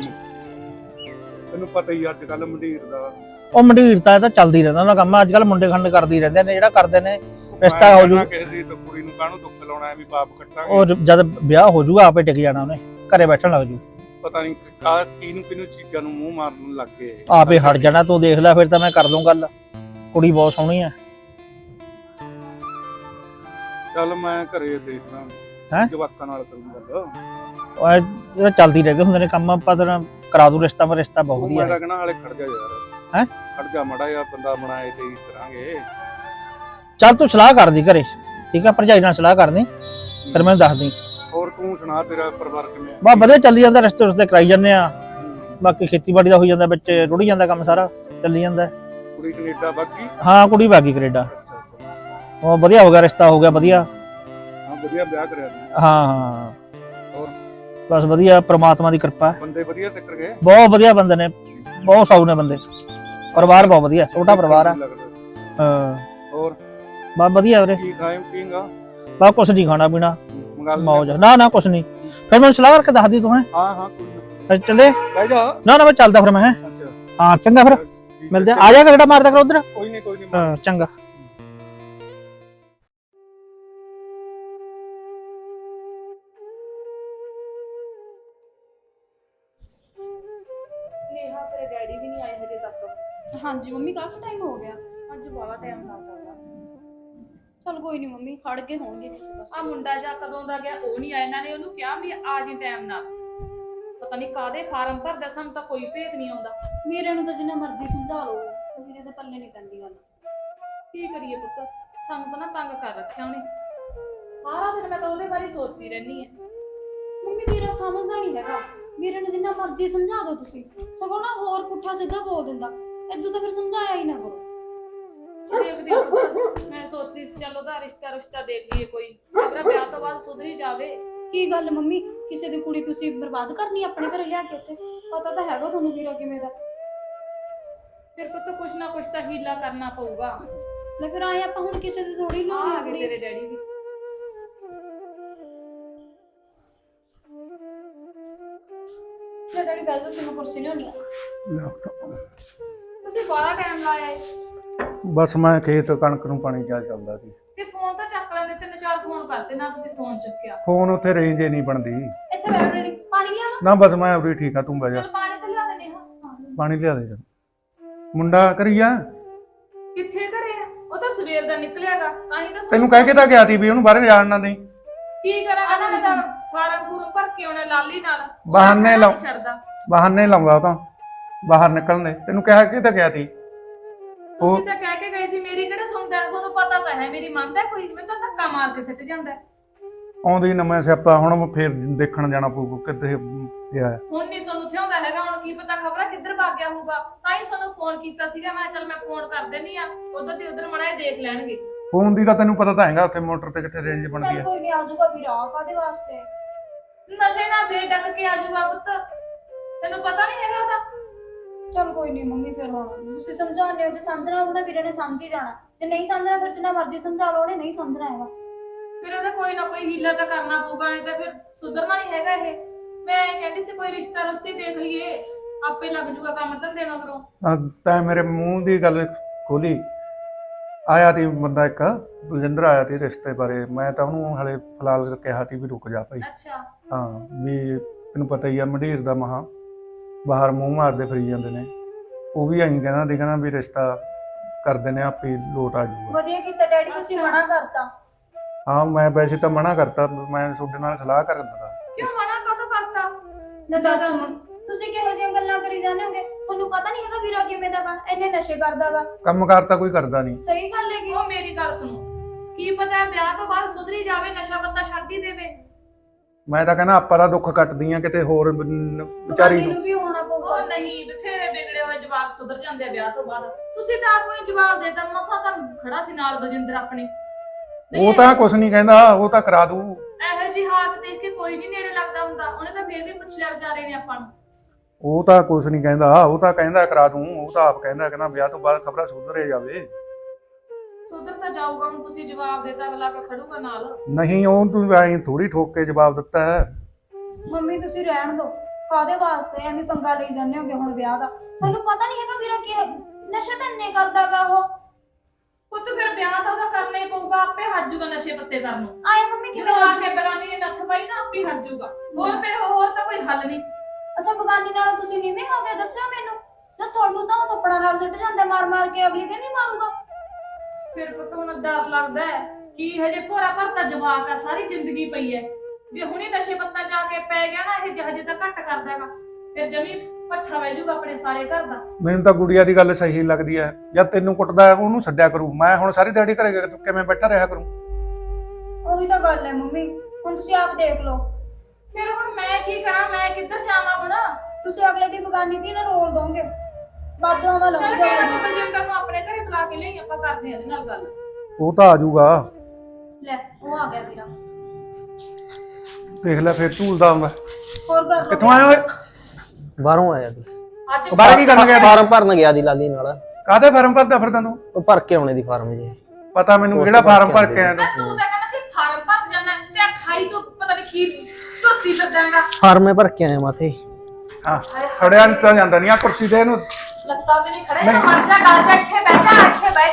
Speaker 3: ਤੈਨੂੰ ਪਤਾ ਹੀ ਅੱਜ ਕੱਲ ਮੰਡੀਰ ਦਾ।
Speaker 5: ਉਹ ਮੰਡੀਰ ਤਾਂ ਇਹ ਤਾਂ ਚੱਲਦੀ ਰਹਿੰਦਾ ਉਹਨਾਂ ਕੰਮ। ਅੱਜ ਕੱਲ ਮੁੰਡੇ ਖੰਡ ਕਰਦੇ ਹੀ ਰਹਿੰਦੇ ਨੇ, ਜਿਹੜਾ ਕਰਦੇ ਨੇ ਰਿਸ਼ਤਾ ਹੋ ਜੂ।
Speaker 3: ਕਿਸੇ ਦੀ ਤਾਂ ਕੁੜੀ ਨੂੰ ਕਾਹਨੂੰ ਦੁੱਖ ਲਾਉਣਾ, ਐਵੇਂ ਬਾਪ ਕੱਟਾਂਗੇ।
Speaker 5: ਉਹ ਜਦ ਵਿਆਹ ਹੋ ਜੂਗਾ ਆਪੇ ਟਿਕ ਜਾਣਾ, ਉਹਨੇ ਘਰੇ ਬੈਠਣ ਲੱਗ ਜੂ।
Speaker 3: ਪਤਾ ਨਹੀਂ ਕਾ ਕਿਹਨੂੰ ਕਿਹਨੂੰ ਚੀਜ਼ਾਂ ਨੂੰ ਮੂੰਹ ਮਾਰਨ ਲੱਗ ਗਏ।
Speaker 5: ਆਪੇ ਹਟ ਜਾਣਾ। ਤੂੰ ਦੇਖ ਲੈ, ਫਿਰ ਤਾਂ ਮੈਂ ਕਰ ਦੂੰ ਗੱਲ। ਕੁੜੀ ਬਹੁਤ ਸੋਹਣੀ ਆ।
Speaker 3: ਚੱਲ ਮੈਂ ਘਰੇ ਦੇਖਦਾ,
Speaker 5: ਹੈਂ?
Speaker 3: ਜਵਾਕਾਂ ਨਾਲ ਕਰੂੰ ਗੱਲ।
Speaker 5: ਉਹ ਇਹ ਜਿਹੜਾ ਚੱਲਦੀ ਰਹਿੰਦੇ ਹੁੰਦੇ ਨੇ ਕੰਮ, ਆਪਾਂ ਤਾਂ ਕਰਾ ਦੂ ਰਿਸ਼ਤਾ। ਮੈਂ ਰਿਸ਼ਤਾ ਬਹੁਤ ਵਧੀਆ
Speaker 3: ਮੈਂ
Speaker 5: ਹੈ।
Speaker 3: ਲੱਗਣਾ ਹਾਲੇ ਖੜ ਜਾ ਯਾਰ।
Speaker 5: ਹੈਂ?
Speaker 3: ਖੜ ਜਾ ਮੜਾ ਯਾਰ, ਬੰਦਾ ਬਣਾਏ ਤੇ ਹੀ ਕਰਾਂਗੇ।
Speaker 5: ਚੱਲ ਤੂੰ ਸਲਾਹ ਕਰਦੀ ਘਰੇ, ਠੀਕ ਆ? ਭਰਜਾਈ ਨਾਲ ਸਲਾਹ ਕਰਦੀ, ਫਿਰ ਮੈਨੂੰ ਦੱਸ ਦੀ।
Speaker 3: ਹੋਰ ਤੂੰ ਸੁਣਾ, ਤੇਰਾ ਪਰਿਵਾਰ ਕਿਵੇਂ?
Speaker 5: ਬਸ ਵਧੀਆ ਚੱਲੀ ਜਾਂਦਾ, ਰਿਸ਼ਤੇ ਰੁਸ਼ਤੇ ਕਰਾਈ ਜਾਂਦੇ ਆ। ਬਾਕੀ ਖੇਤੀਬਾੜੀ ਦਾ ਹੋਈ ਜਾਂਦਾ, ਵਿੱਚ ਰੁੜੀ ਜਾਂਦਾ ਕੰਮ, ਸਾਰਾ ਚੱਲੀ ਜਾਂਦਾ।
Speaker 3: ਕੁੜੀ ਕੈਨੇਡਾ ਬਾਕੀ?
Speaker 5: ਹਾਂ, ਕੁੜੀ ਬਾਗੀ ਕੈਨੇਡਾ। ਉਹ ਵਧੀਆ ਹੋ ਗਿਆ, ਰਿਸ਼ਤਾ ਹੋ ਗਿਆ ਵਧੀਆ।
Speaker 3: ਹਾਂ, ਵਧੀਆ ਵਿਆਹ ਕਰਿਆ ਤੂੰ।
Speaker 5: ਹਾਂ ਹਾਂ,
Speaker 3: ਹੋਰ?
Speaker 5: ਬਸ ਵਧੀਆ, ਪ੍ਰਮਾਤਮਾ ਦੀ ਕਿਰਪਾ।
Speaker 3: ਬੰਦੇ ਵਧੀਆ ਟੱਕਰ ਗਏ?
Speaker 5: ਬਹੁਤ ਵਧੀਆ ਬੰਦੇ ਨੇ, ਬਹੁਤ ਸਾਊ ਨੇ ਬੰਦੇ। ਪਰਿਵਾਰ ਬਹੁਤ ਵਧੀਆ, ਛੋਟਾ ਪਰਿਵਾਰ ਆ। ਹਾਂ,
Speaker 3: ਹੋਰ
Speaker 5: ਬਸ ਵਧੀਆ ਵੀਰੇ।
Speaker 3: ਕੀ ਖਾਏਂ ਪੀਂਗਾ?
Speaker 5: ਬਸ ਕੁਛ ਨਹੀਂ, ਖਾਣਾ ਪੀਣਾ
Speaker 3: ਮੰਗਾ ਲੈ।
Speaker 5: ਮੌਜ। ਨਾ ਨਾ ਕੁਛ ਨਹੀਂ, ਫਿਰ ਮੈਨੂੰ ਸਲਾਹ ਕਰਕੇ ਦੱਸ ਦੀ ਤੂੰ। ਹੈ
Speaker 3: ਹਾਂ ਹਾਂ, ਕੋਈ ਨਾ।
Speaker 5: ਫਿਰ ਚੱਲੇ?
Speaker 3: ਬਹਿ ਜਾ।
Speaker 5: ਨਾ ਨਾ ਮੈਂ ਚੱਲਦਾ ਫਿਰ। ਮੈਂ ਹੈ
Speaker 3: ਅੱਛਾ,
Speaker 5: ਹਾਂ, ਚੰਗਾ ਫਿਰ
Speaker 3: ਠੀਕ
Speaker 5: ਮਿਲਦੇ ਆ।
Speaker 3: ਹੈ।
Speaker 5: ਆ ਜਾ ਕਿਹੜਾ ਮਾਰਦਾ ਕਰ ਉਧਰ।
Speaker 3: ਕੋਈ ਨਹੀਂ ਕੋਈ ਨਹੀਂ।
Speaker 5: ਹਾਂ, ਚੰਗਾ।
Speaker 1: ਨੇਹਾ ਤੇਰੇ ਡੈਡੀ ਵੀ
Speaker 2: ਹਾਂਜੀ ਮੰਮੀ ਕਾਫੀ ਟਾਈਮ ਹੋ ਗਿਆ।
Speaker 1: ਅੱਜ ਬੜਾ ਟਾਈਮ ਲੱਗਦਾ ਵਾ।
Speaker 2: ਚਲ ਕੋਈ ਨਹੀਂ ਮੰਮੀ, ਖੜ ਕੇ ਹੋਣਗੇ ਕਿਸੇ
Speaker 1: ਆ
Speaker 2: ਪਾਸੇ।
Speaker 1: ਮੁੰਡਾ ਜਾ ਕਦੋਂ ਦਾ ਗਿਆ ਉਹ ਨਹੀਂ ਆਇਆ। ਇਹਨਾਂ ਨੇ ਉਹਨੂੰ ਕਿਹਾ ਵੀ ਆ ਜੀ ਟਾਈਮ ਨਾਲ। ਪਤਾ ਨਹੀਂ ਕਾਦੇ ਫਾਰਮ ਭਰਦਾ, ਸਾਨੂੰ ਤਾਂ ਕੋਈ ਭੇਤ ਨਹੀਂ ਆਉਂਦਾ।
Speaker 2: ਵੀਰੇ ਨੂੰ ਤਾਂ ਜਿੰਨਾ ਮਰਜ਼ੀ ਸਮਝਾ ਲਓ, ਵੀਰੇ ਦੇ ਪੱਲੇ ਨਹੀਂ ਪੈਂਦੀ ਗੱਲ।
Speaker 1: ਕੀ ਕਰੀਏ ਪੁੱਤ, ਸਾਨੂੰ ਤਾਂ ਨਾ ਤੰਗ ਕਰ ਰੱਖਿਆ ਉਹਨੇ। ਸਾਰਾ ਦਿਨ ਮੈਂ ਤਾਂ ਉਹਦੇ ਬਾਰੇ ਸੋਚਦੀ ਰਹਿੰਦੀ ਆ।
Speaker 2: ਮੰਮੀ ਵੀਰਾ ਸਮਝਦਾ ਨਹੀਂ ਹੈਗਾ। ਵੀਰੇ ਨੂੰ ਜਿੰਨਾ ਮਰਜ਼ੀ ਸਮਝਾ ਦਿਓ ਤੁਸੀਂ, ਸਗੋਂ ਨਾ ਹੋਰ ਪੁੱਠਾ ਸਿੱਧਾ ਬੋਲ ਦਿੰਦਾ। ਇਦੋਂ ਤਾਂ ਫਿਰ ਸਮਝਾਇਆ ਹੀ ਨਾ ਕਰੋ।
Speaker 1: ਦੇਖਦੇ ਆ ਪੁੱਤ, ਮੈਂ ਸੋਚਦੀ ਸੀ ਚੱਲ ਉਹਦਾ ਰਿਸ਼ਤਾ ਰੁਸ਼ਤਾ ਦੇਖ ਲਈਏ ਕੋਈ, ਮੇਰਾ ਵਿਆਹ ਤੋਂ ਬਾਅਦ ਸੁਧਰੀ ਜਾਵੇ।
Speaker 2: ਕੀ ਗੱਲ ਮੰਮੀ, ਕਿਸੇ ਦੀ ਕੁੜੀ ਤੁਸੀਂ ਬਰਬਾਦ ਕਰਨੀ ਆਪਣੇ ਘਰੇ ਲਿਆ ਕੇ? ਇੱਥੇ ਪਤਾ ਤਾਂ ਹੈਗਾ ਤੁਹਾਨੂੰ ਵੀਰਾ ਕਿਵੇਂ ਦਾ।
Speaker 1: ਫਿਰ ਪੁੱਤ ਕੁਛ ਨਾ ਕੁਛ ਤਾਂ ਹੀਲਾ ਕਰਨਾ ਪਊਗਾ।
Speaker 2: ਲੈ ਫਿਰ ਆਏ ਆਪਾਂ ਹੁਣ ਕਿਸੇ ਦੀ ਥੋੜੀ ਲੋੜ
Speaker 1: ਆ
Speaker 2: ਆ
Speaker 1: ਗਏ
Speaker 2: ਗਈ।
Speaker 1: ਤੇਰੇ ਡੈਡੀ ਵੀ।
Speaker 2: ਲੈ ਡੈਡੀ ਬੈਠ ਜਾਓ, ਮੈਂ ਕੁਰਸੀ ਲਿਆਉਣੀ ਆ।
Speaker 1: ਤੁਸੀਂ ਬੜਾ ਟਾਈਮ ਲਾਇਆ ਏ।
Speaker 3: ਬਸ ਮੈਂ ਖੇਤ ਕਣਕ ਨੂੰ ਪਾਣੀ ਕਿਆ ਚੱਲਦਾ ਸੀ।
Speaker 1: ਤੇ ਫੋਨ ਤਾਂ ਚੱਕ ਲੈਂਦੇ, ਤਿੰਨ ਚਾਰ ਫੋਨ ਕਰਤੇ ਨਾ ਤੁਸੀਂ ਫੋਨ ਚੁੱਕਿਆ।
Speaker 3: ਫੋਨ ਉੱਥੇ ਰੇਂਜ ਹੀ ਨਹੀਂ ਬਣਦੀ।
Speaker 2: ਇੱਥੇ ਬੈਠ ਡੈਡੀ, ਪਾਣੀ ਲਿਆਵਾਂ?
Speaker 3: ਨਾ ਬਸ ਮੈਂ ਉਰੀ ਠੀਕ ਆ, ਤੂੰ ਬਹਿ ਜਾ।
Speaker 1: ਚਲ ਪਾਣੀ ਤਾਂ ਲਿਆ ਦੇਣੇ ਹਾਂ।
Speaker 3: ਪਾਣੀ ਲਿਆ ਦੇ ਜਾ। ਮੁੰਡਾ ਕਰੀਆ
Speaker 1: ਕਿੱਥੇ ਘਰੇ ਆ? ਉਹ ਤਾਂ ਸਵੇਰ ਦਾ ਨਿਕਲਿਆਗਾ, ਤਾਂ ਹੀ ਤਾਂ ਸਾਨੂੰ
Speaker 3: ਤੈਨੂੰ ਕਹਿ ਕੇ ਤਾਂ ਗਿਆ ਸੀ ਵੀ ਉਹਨੂੰ ਬਾਹਰ ਜਾਣ ਨਾ ਦੇਈ।
Speaker 1: ਕੀ ਕਰਾਂਗਾ ਨਾ, ਮੈਂ ਤਾਂ ਫਾਰਮ ਫੂਰਮ ਭਰ ਕੇ ਆਉਣਾ ਲਾਲੀ ਨਾਲ। ਉਹ
Speaker 3: ਬਹਾਨੇ
Speaker 1: ਤਾਂ
Speaker 3: ਲਾਓ।
Speaker 1: ਨਹੀਂ ਛੱਡਦਾ।
Speaker 3: ਬਹਾਨੇ ਲਾਉਂਦਾ ਉਹ ਤਾਂ ਬਾਹਰ ਨਿਕਲਣ ਦੇ। ਤੈਨੂੰ ਕਹਿ ਕੇ ਤਾਂ ਗਿਆ ਸੀ। ਉਹ
Speaker 1: ਤੁਸੀਂ ਤਾਂ ਕਹਿ ਕੇ ਗਏ ਸੀ, ਮੇਰੀ ਕਿਹੜਾ ਸੁਣਦਾ? ਤੁਹਾਨੂੰ ਪਤਾ ਤਾਂ ਹੈ ਮੇਰੀ ਮੰਨਦਾ ਕੋਈ? ਮੈਨੂੰ ਤਾਂ ਧੱਕਾ ਮਾਰ ਕੇ ਸਿੱਟ ਜਾਂਦਾ।
Speaker 3: ਆਉਂਦੀ ਨਵਾਂ ਸਿਆਪਾ, ਹੁਣ ਫੇਰ ਦੇਖਣ ਜਾਣਾ ਪਊ ਕਿੱਥੇ ਗਿਆ।
Speaker 1: ਹੁਣ ਨਹੀਂ ਸਾਨੂੰ ਥਿਆਉਂਦਾ ਹੈਗਾ। ਹੁਣ ਕੀ ਪਤਾ ਖਬਰਾਂ ਕਿੱਧਰ ਭੱਗ ਗਿਆ ਹੋਊਗਾ, ਤਾਂ ਹੀ ਸਾਨੂੰ ਫੋਨ ਕੀਤਾ ਸੀਗਾ। ਮੈਂ ਚੱਲ ਮੈਂ ਫੋਨ ਕਰ ਦੇਣੀ ਆ, ਉਧਰ ਤੇ ਉਧਰ ਮੜਾ ਦੇਖ ਲੈਣਗੇ।
Speaker 3: ਫੋਨ ਦੀ ਤਾਂ ਤੈਨੂੰ ਪਤਾ ਤਾਂ ਹੈਗਾ, ਉੱਥੇ ਮੋਟਰ ਤੇ ਕਿੱਥੇ ਰੇਂਜ ਬਣਦੀ
Speaker 2: ਚੱਲ
Speaker 3: ਹੈ।
Speaker 2: ਕੋਈ ਨਹੀਂ, ਆ ਜਾਊਗਾ ਵੀਰਾ। ਕਾਦੇ ਵਾਸਤੇ?
Speaker 1: ਨਸ਼ੇ ਨਾਲ ਫੇਰ ਡੱਕ ਕੇ ਆ ਜਾਊਗਾ ਪੁੱਤ, ਤੈਨੂੰ ਪਤਾ ਨਹੀਂ ਹੈਗਾ ਉਹਦਾ।
Speaker 2: ਚਲ ਕੋਈ ਨਹੀਂ ਮੰਮੀ, ਫਿਰ ਹੁਣ ਤੁਸੀਂ ਸਮਝਾਉਂਦੇ ਹੋ, ਜੇ ਸਮਝਣਾ ਹੋਊ ਨਾ ਵੀਰੇ ਨੇ ਸਮਝ ਹੀ ਜਾਣਾ। ਜੇ ਨਹੀਂ ਸਮਝਣਾ ਫਿਰ ਜਿੰਨਾ ਮਰਜ਼ੀ ਸਮਝਾ ਲਓ, ਉਹਨੇ ਨਹੀਂ ਸਮਝਣਾ ਹੈਗਾ।
Speaker 1: ਫਿਰ ਉਹਦਾ ਕੋਈ ਨਾ ਕੋਈ ਹੀਲਾ ਤਾਂ ਕਰਨਾ ਪਊਗਾ, ਐ ਤਾਂ ਫਿਰ ਸੁਧਰਨਾ ਨਹੀਂ ਹੈਗਾ ਇਹ। ਮੈਂ ਇਹ ਕਹਿੰਦੀ ਸੀ ਕੋਈ ਰਿਸ਼ਤਾ ਰੁਸ਼ਤੀ ਦੇਖ ਲਈਏ, ਆਪੇ ਲੱਗ ਜੂਗਾ ਕੰਮ ਧੰਦੇ ਮਗਰੋਂ।
Speaker 3: ਆ ਤੈਂ ਮੇਰੇ ਮੂੰਹ ਦੀ ਗੱਲ ਖੋਲੀ। ਆਇਆ ਤੀ ਬੰਦਾ ਇੱਕ, ਬਲਜਿੰਦਰ ਆਇਆ ਤੀ ਰਿਸ਼ਤੇ ਬਾਰੇ। ਮੈਂ ਤਾਂ ਉਹਨੂੰ ਹਲੇ ਫਿਲਹਾਲ ਕਿਹਾ ਤੀ ਵੀ ਰੁਕ ਜਾ ਭਾਈ।
Speaker 1: ਅੱਛਾ।
Speaker 3: ਹਾਂ ਵੀ ਤੈਨੂੰ ਪਤਾ ਹੀ ਆ ਮੰਡੀਰ ਦਾ ਮਹਾ ਬਾਹਰ ਮੂੰਹ ਮਾਰਦੇ ਫਿਰੀ ਜਾਂਦੇ ਨੇ। ਉਹ ਵੀ ਐਂ ਕਹਿੰਦਾ ਸੀ, ਕਹਿੰਦਾ ਵੀ ਰਿਸ਼ਤਾ ਕਰਦੇ ਨੇ ਆਪੇ ਲੋਟ ਆ ਜਾਊਗਾ।
Speaker 2: ਵਧੀਆ ਕੀਤਾ ਡੈਡੀ, ਤੁਸੀਂ ਮਨਾ ਕਰਤਾ।
Speaker 3: ਹਾਂ ਮੈਂ ਵੈਸੇ ਤਾਂ ਮਨਾ ਕਰਤਾ, ਮੈਂ ਤੁਹਾਡੇ ਨਾਲ ਸਲਾਹ ਕਰ ਦਿੰਦਾ।
Speaker 1: ਕਿਉਂ ਮਨਾ ਕਾਹਤੋਂ ਕਰਤਾ?
Speaker 2: ਨਾ ਦੱਸ, ਤੁਸੀਂ ਕਿਹੋ ਜਿਹੀਆਂ ਗੱਲਾਂ ਕਰੀ ਜਾਂਦੇ ਹੋਗੇ? ਤੁਹਾਨੂੰ ਪਤਾ ਨਹੀਂ ਹੈਗਾ ਵੀਰਾ ਕਿਵੇਂ ਦਾਗਾ, ਇੰਨੇ ਨਸ਼ੇ ਕਰਦਾਗਾ।
Speaker 3: ਕੰਮਕਾਰ ਤਾਂ ਕੋਈ ਕਰਦਾ ਨਹੀਂ।
Speaker 2: ਸਹੀ ਗੱਲ ਹੈਗੀ।
Speaker 1: ਉਹ ਮੇਰੀ ਗੱਲ ਸੁਣੋ, ਕੀ ਪਤਾ ਵਿਆਹ ਤੋਂ ਬਾਅਦ ਸੁਧਰੀ ਜਾਵੇ, ਨਸ਼ਾ ਪੱਤਾ ਛੱਡ ਹੀ ਦੇਵੇ।
Speaker 3: ਮੈਂ ਤਾਂ ਕਹਿੰਦਾ ਆਪਾਂ ਦਾ ਦੁੱਖ ਕੱਟਦੀ ਆ, ਕਿਤੇ ਹੋਰ ਨ- ਵਿਚਾਰੀ
Speaker 2: ਵਿਚਾਰੀ
Speaker 3: ਨੂੰ।
Speaker 2: ਨੂੰ ਵੀ ਹੋਣਾ ਪਊਗਾ।
Speaker 1: ਉਹ ਨਹੀਂ, ਬਥੇਰੇ ਵਿਗੜੇ ਹੋਏ ਜਵਾਕ ਸੁਧਰ ਜਾਂਦੇ ਆ ਵਿਆਹ ਤੋਂ ਬਾਅਦ। ਤੁਸੀਂ ਤਾਂ ਆਪ ਨੂੰ ਜਵਾਬ ਦੇਤਾ, ਮਸਾ ਤਾਂ ਖੜਾ ਸੀ ਨਾਲ ਬਲਜਿੰਦਰ ਆਪਣੇ।
Speaker 3: ਉਹ ਤਾਂ ਕੁਛ ਨਹੀਂ ਕਹਿੰਦਾ, ਉਹ ਤਾਂ ਕਰਾ ਦੂ।
Speaker 1: ਇਹੋ ਜਿਹੀ ਹਾਲਤ ਦੇਖ ਕੇ ਕੋਈ ਨਹੀਂ ਨੇੜੇ ਲੱਗਦਾ ਹੁੰਦਾ। ਉਹਨੇ ਤਾਂ ਫੇਰ ਵੀ ਪੁੱਛ ਲਿਆ ਵਿਚਾਰੇ ਨੇ ਆਪਾਂ ਨੂੰ।
Speaker 3: ਉਹ ਤਾਂ ਕੁਛ ਨਹੀਂ ਕਹਿੰਦਾ, ਉਹ ਤਾਂ ਕਹਿੰਦਾ ਕਰਾ ਦੂੰ। ਉਹ ਤਾਂ ਆਪ ਕਹਿੰਦਾ ਕਹਿੰਦਾ ਵਿਆਹ ਤੋਂ ਬਾਅਦ ਖਬਰਾਂ ਸੁਧਰੇ ਜਾਵੇ।
Speaker 1: ਸੁਧਰ ਤਾਂ ਜਾਊਗਾ, ਹੁਣ ਤੁਸੀਂ ਜਵਾਬ ਦੇਤਾ, ਅਗਲਾ ਕੇ ਖੜੂਗਾ ਨਾਲ।
Speaker 3: ਨਹੀਂ ਉਹ ਤੂੰ ਐਂ ਥੋੜੀ ਠੋਕ ਕੇ ਜਵਾਬ ਦਿੱਤਾ ਹੈ।
Speaker 2: ਮੰਮੀ ਤੁਸੀਂ ਰਹਿਣ ਦਿਓ, ਕਾਦੇ ਵਾਸਤੇ ਐਵੇਂ ਪੰਗਾ ਲਈ ਜਾਂਦੇ ਹੋਗੇ ਹੁਣ ਵਿਆਹ ਦਾ? ਤੁਹਾਨੂੰ ਪਤਾ ਨਹੀਂ ਹੈਗਾ ਵੀਰਾ ਕੀ ਨਸ਼ਾ ਤਾਂ ਇੰਨੇ ਕਰਦਾਗਾ ਉਹ।
Speaker 1: ਪੁੱਤ ਫਿਰ ਵਿਆਹ ਤਾਂ ਉਹਦਾ ਕਰਨਾ ਹੀ ਪਊਗਾ, ਆਪੇ ਹਟ ਜਾਊਗਾ ਨਸ਼ੇ ਪੱਤੇ ਕਰਨ ਨੂੰ।
Speaker 2: ਆਏ ਮੰਮੀ ਕਿਵੇਂ
Speaker 1: ਜਦੋਂ ਆ
Speaker 2: ਹਟ
Speaker 1: ਕੇ ਬਗਾਨੀ ਨੇ ਨੱਥ ਪਾਈ ਨਾ, ਆਪੇ ਹਟ ਜਾਊਗਾ। ਹੋਰ ਫਿਰ ਹੋਰ ਤਾਂ ਕੋਈ ਹੱਲ ਨਹੀਂ।
Speaker 2: ਅੱਛਾ ਬਗਾਨੀ ਨਾਲੋਂ ਤੁਸੀਂ ਨੀਵੇਂ ਹੋ ਗਏ? ਦੱਸਿਓ ਮੈਨੂੰ। ਜੇ ਤੁਹਾਨੂੰ ਤਾਂ ਉਹ ਥੱਪੜਾਂ ਨਾਲ ਸਿੱਟ ਜਾਂਦਾ ਮਾਰ ਮਾਰ ਕੇ, ਅਗਲੀ ਦਿਨ ਹੀ ਮਾਰੂਗਾ।
Speaker 1: ਫਿਰ ਪੁੱਤ ਹੁਣ ਡਰ ਲੱਗਦਾ ਹੈ ਕਿ ਹਜੇ ਭੋਰਾ ਭਰਤਾ ਜਵਾਕ ਆ, ਸਾਰੀ ਜ਼ਿੰਦਗੀ ਪਈ ਹੈ। ਜੇ ਹੁਣੇ ਨਸ਼ੇ ਪੱਤਾ ਚ ਆ ਕੇ ਪੈ ਗਿਆ ਨਾ, ਇਹ ਹਜੇ ਤਾਂ ਘੱਟ ਕਰਦਾ ਹੈਗਾ, ਫਿਰ ਜਮੀ ਪੱਠਾ ਵਹਿ ਜਾਊਗਾ ਆਪਣੇ ਸਾਰੇ ਘਰ ਦਾ।
Speaker 3: ਮੈਨੂੰ ਤਾਂ ਗੁੜੀਆ ਦੀ ਗੱਲ ਸਹੀ ਲੱਗਦੀ ਹੈ। ਜਦ ਤੈਨੂੰ ਕੁੱਟਦਾ ਉਹਨੂੰ ਛੱਡਿਆ ਕਰੂ। ਮੈਂ ਹੁਣ ਸਾਰੀ ਦਿਹਾੜੀ ਘਰੇ ਕਿਵੇਂ ਬੈਠਾ ਰਿਹਾ ਕਰੂੰ?
Speaker 2: ਉਹੀ ਤਾਂ ਗੱਲ ਹੈ ਮੰਮੀ, ਹੁਣ ਤੁਸੀਂ ਆਪ ਦੇਖ ਲਓ।
Speaker 1: ਫਿਰ ਹੁਣ ਮੈਂ ਕੀ ਕਰਾਂ? ਮੈਂ ਕਿੱਧਰ ਜਾਵਾਂ ਹੁਣ?
Speaker 2: ਤੁਸੀਂ ਅਗਲੇ ਦੀ ਬਗਾਨੀ ਦੀ ਨਾ ਰੋਲ ਦੋਗੇ, ਬਾਦੋਂ ਨਾਲ
Speaker 1: ਚੱਲ
Speaker 2: ਲਾਉਂਗੇ।
Speaker 1: ਕਿਹੜਾ ਤੂੰ ਬਲਜਿੰਦਰ ਨੂੰ ਆਪਣੇ ਘਰੇ ਬੁਲਾ ਕੇ ਲਈ, ਆਪਾਂ ਕਰਦੇ ਹਾਂ ਇਹਦੇ ਨਾਲ ਗੱਲ।
Speaker 3: ਉਹ ਤਾਂ ਆ ਜਾਊਗਾ।
Speaker 2: ਲੈ ਉਹ ਆ ਗਿਆ ਵੀਰਾ।
Speaker 3: ਦੇਖ ਲੈ ਫੇਰ ਝੂਲਦਾ ਆਉਂਦਾ।
Speaker 2: ਹੋਰ ਕਰ ਲਓ।
Speaker 3: ਕਿੱਥੋਂ ਆਇਆ ਓਏ?
Speaker 4: ਬਾਹਰੋਂ ਆਇਆ ਸੀ।
Speaker 1: ਅੱਜ
Speaker 3: ਬਾਹਰ ਕੀ ਕਰਨ ਗਿਆ?
Speaker 4: ਫਾਰਮ ਭਰਨ ਗਿਆ ਦੀ ਲਾਲੀ ਨਾਲ।
Speaker 3: ਕਾਹਦੇ ਫਾਰਮ ਭਰਦਾ ਫਿਰਦਾ ਤੂੰ?
Speaker 4: ਉਹ ਭਰ ਕੇ ਆਉਣੇ ਦੀ ਫਾਰਮ ਜੀ।
Speaker 3: ਪਤਾ ਮੈਨੂੰ ਕਿਹੜਾ ਫਾਰਮ ਭਰ ਕੇ ਆਇਆ
Speaker 1: ਨਾ
Speaker 3: ਤੂੰ।
Speaker 1: ਤੂੰ ਤਾਂ ਕਹਿੰਦਾ ਸੀ ਫਾਰਮ ਭਰ ਜਾਣਾ, ਤੇ ਆ ਖਾਈ ਤੂੰ ਪਤਾ ਨਹੀਂ ਕੀ ਝੋਸੀ ਫਿਰਦਾਂਗਾ।
Speaker 4: ਫਾਰਮੇ ਭਰ ਕੇ ਆਇਆ ਮਾਥੇ।
Speaker 3: ਹਾਂ ਖੜਿਆ ਨਹੀਂ ਤਾਂ ਜਾਂਦਾ ਨਹੀਂ। ਆ ਕੁਰਸੀ ਦੇ ਇਹਨੂੰ।
Speaker 1: ਲੱਤਾਂ ਤੇ ਨਹੀਂ ਖੜੇ, ਨਾ ਮਰ ਜਾ, ਗਲ ਜਾ, ਇੱਥੇ ਬਹਿ ਜਾ, ਇੱਥੇ ਬਹਿ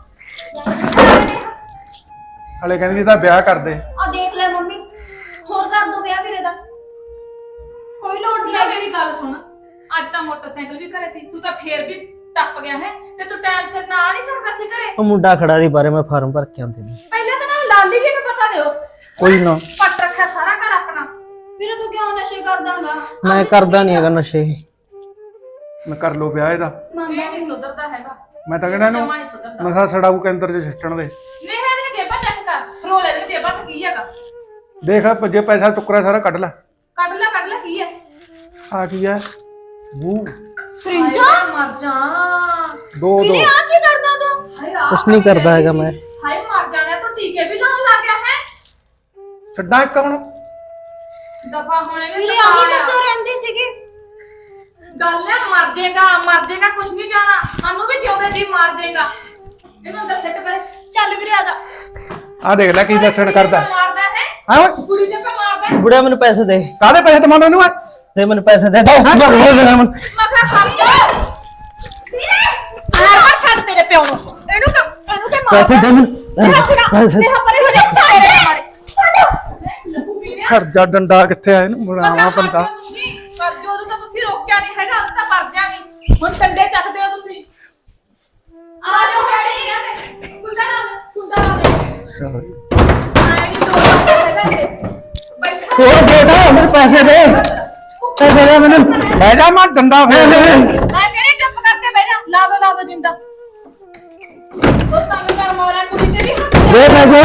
Speaker 1: ਜਾ।
Speaker 3: ਹਲੇ ਕਹਿੰਦੀ ਇਹਦਾ ਵਿਆਹ ਕਰ ਦੇ।
Speaker 2: ਆ ਦੇਖ ਲੈ ਮੰਮੀ, ਹੋਰ ਕਰ ਦੋ ਵਿਆਹ ਵੀਰੇ ਦਾ, ਕੋਈ ਲੋੜ ਨਹੀਂ
Speaker 1: ਲੈ
Speaker 2: ਹੈ।
Speaker 1: ਮੇਰੀ ਗੱਲ ਸੁਣ, ਅੱਜ ਤਾਂ ਮੋਟਰਸਾਈਕਲ ਵੀ ਘਰੇ ਸੀ, ਤੂੰ ਤਾਂ ਫੇਰ ਵੀ ਟੱਪ ਗਿਆ ਹੈ ਤੇ ਤੂੰ ਟਾਈਮ ਸਿਰ ਨਾ ਆ ਨਹੀਂ ਸਕਦਾ ਸੀ ਘਰੇ।
Speaker 4: ਉਹ ਮੁੰਡਾ ਖੜਾ ਦੀ ਬਾਰੇ ਮੈਂ ਫਾਰਮ ਭਰ ਕੇ ਆਉਂਦੇ ਨੇ।
Speaker 1: ਪਹਿਲਾਂ ਤਾਂ ਨਾ ਲਾਲੀ ਜੀ ਨੂੰ ਪਤਾ ਦਿਓ।
Speaker 4: ਕੋਈ ਨਾ
Speaker 1: ਪੱਟ ਰੱਖਿਆ ਸਾਰਾ ਘਰ ਆਪਣਾ।
Speaker 2: ਵੀਰੇ ਤੂੰ ਕਿਉਂ ਨਸ਼ੇ ਕਰਦਾਗਾ?
Speaker 4: ਮੈਂ ਕਰਦਾ ਨਹੀਂ ਹੈਗਾ ਨਸ਼ੇ।
Speaker 3: ਮੈਂ ਕਰ ਲੋ ਵਿਆਹ ਇਹਦਾ।
Speaker 1: ਇਹ ਨਹੀਂ ਸੁਧਰਦਾ ਹੈਗਾ।
Speaker 3: ਮੈਂ ਤਾਂ ਕਹਿੰਦਾ
Speaker 1: ਜਮਾਂ
Speaker 3: ਇਹਨੂੰ
Speaker 1: ਨਹੀਂ ਸੁਧਰਦਾ।
Speaker 3: ਨਸ਼ਾ ਛਡਾਊ ਕੇਂਦਰ 'ਚ ਸਿੱਟਣ ਦੇ।
Speaker 1: ਨਹੀਂ ਹੈ ਇਹਦੀ ਜੇਬਾਂ ਚੈੱਕ ਕਰ। ਰੋਲੇ ਦੀ ਜੇਬਾਂ 'ਚ ਕੀ ਹੈਗਾ?
Speaker 3: ਦੇਖ ਆ ਜੇ ਪੈਸਾ ਟੁਕਰਾ ਸਾਰਾ ਕੱਢ ਲੈ।
Speaker 1: ਕੱਢ ਲੈ ਕੱਢ ਲੈ ਕੀ ਹੈ?
Speaker 3: ਆ ਕੀ ਹੈ ਬੂ
Speaker 2: ਸਰਿੰਜਾ
Speaker 1: ਹਾਏ ਮਰ ਜਾ।
Speaker 3: ਦੋ ਦੋ
Speaker 2: ਵੀਰੇ ਆ ਕੀ ਕਰਦਾ ਤੂੰ?
Speaker 1: ਹਾਏ ਆਹ
Speaker 4: ਕੁਛ ਨਹੀਂ
Speaker 1: ਪਈ
Speaker 4: ਕਰਦਾ ਹੈਗਾ
Speaker 1: ਰਹਿੰਦੀ
Speaker 4: ਮੈਂ।
Speaker 1: ਸੀ। ਹਾਏ ਮਰ ਜਾਣਾ ਤੂੰ ਟੀਕੇ ਵੀ ਲਾਉਣ ਲੱਗ ਗਿਆ ਹੈ।
Speaker 3: ਛੱਡਾਂ ਇੱਕ ਹੁਣ।
Speaker 1: ਦਫਾ ਹੋਣੇ ਨੇ
Speaker 2: ਵੀਰੇ ਆਹੀ ਦੱਸੋ ਰਹਿੰਦੀ ਸੀਗੀ।
Speaker 1: ਗੱਲ ਹੈ ਮਰ ਜਾਏਗਾ ਮਰ ਜਾਏਗਾ ਕੁਛ ਨਹੀਂ ਜਾਣਾ। ਸਾਨੂੰ ਵੀ ਜਿਉਂਦੇ ਜੀ ਮਰ ਜਾਏਗਾ। ਇਹਨੂੰ ਦੱਸੇ ਕਿ ਪਹਿਲੇ ਚੱਲ ਵੀਰੇ ਆ ਜਾ।
Speaker 3: ਆ ਦੇਖ ਲੈ ਕੀ ਦੱਸਣ ਕਰਦਾ।
Speaker 1: ਮਾਰਦਾ ਹੈ
Speaker 3: ਹਾਂ ਓਏ
Speaker 1: ਕੁੜੀ ਦੇ ਕਾ ਮਾਰਦਾ।
Speaker 4: ਬੁੜਿਆ ਮੈਨੂੰ ਪੈਸੇ ਦੇ
Speaker 3: ਕਾਹਦੇ ਪੈਸੇ ਤਮਾਨੂੰ ਇਹਨੂੰ ਆ
Speaker 4: ਦੇ ਮੈਨੂੰ ਪੈਸੇ ਦੇ ਦੇ
Speaker 1: ਮੈਂ ਕਿਹਾ ਖੜ ਜਾ ਵੀਰੇ ਮਾਰ ਮਾਰ ਛੱਡ ਤੇਰੇ ਪਿਓ ਨੂੰ। ਇਹਨੂੰ ਕਾ ਇਹਨੂੰ ਤੇ ਮਾਰ
Speaker 4: ਪੈਸੇ ਦੇ ਮੈਨੂੰ ਪੈਸੇ
Speaker 1: ਤੇ ਹਪਰੇ ਹੋ ਜਾ ਚਾਰੇ ਮਾਰੇ ਲੱਗੂ ਵੀਰੇ।
Speaker 3: ਖੜ ਜਾ ਡੰਡਾ ਕਿੱਥੇ ਆ ਇਹਨੂੰ ਬਣਾਵਾ ਬੰਦਾ।
Speaker 1: ਪਰ ਜਦੋਂ ਤਾਂ ਤੁਸੀਂ ਰੋਕਿਆ ਨਹੀਂ ਹੈਗਾ ਉਹ ਤਾਂ ਮਰ ਜਾਣੀ। ਹੁਣ ਡੰਡੇ ਚੱਕਦੇ ਹੋ ਤੁਸੀਂ। ਆ ਜਾਓ ਡੈਡੀ ਕਹਿੰਦੇ ਕੁੰਡਾ ਨਾ ਕੁੰਡਾ ਨਾ ਦੇ।
Speaker 3: ਸੌਰੀ
Speaker 1: ਆਏ ਨਹੀਂ ਦੋ ਹੈਗਾ ਤੇ ਬੈਠਾ
Speaker 4: ਹੋਰ ਬੇਟਾ ਮੇਰੇ ਪੈਸੇ ਦੇ ਪੈਸੇ ਦੇ ਮੈਨੂੰ
Speaker 3: ਲੈ ਜਾ ਮੈਂ ਡੰਡਾ ਫੇਰ
Speaker 1: ਮੈਂ ਕਿਹੜੇ ਚੁੱਪ ਕਰਕੇ ਬਹਿ ਜਾ। ਲਾ ਦੋ ਲਾ ਦੋ ਜਿੰਦਾ ਉਹ ਤੰਗ ਕਰ ਮਾਰਿਆ ਕੁੜੀ ਤੇ ਵੀ ਹੱਥ
Speaker 4: ਦੇ ਪੈਸੇ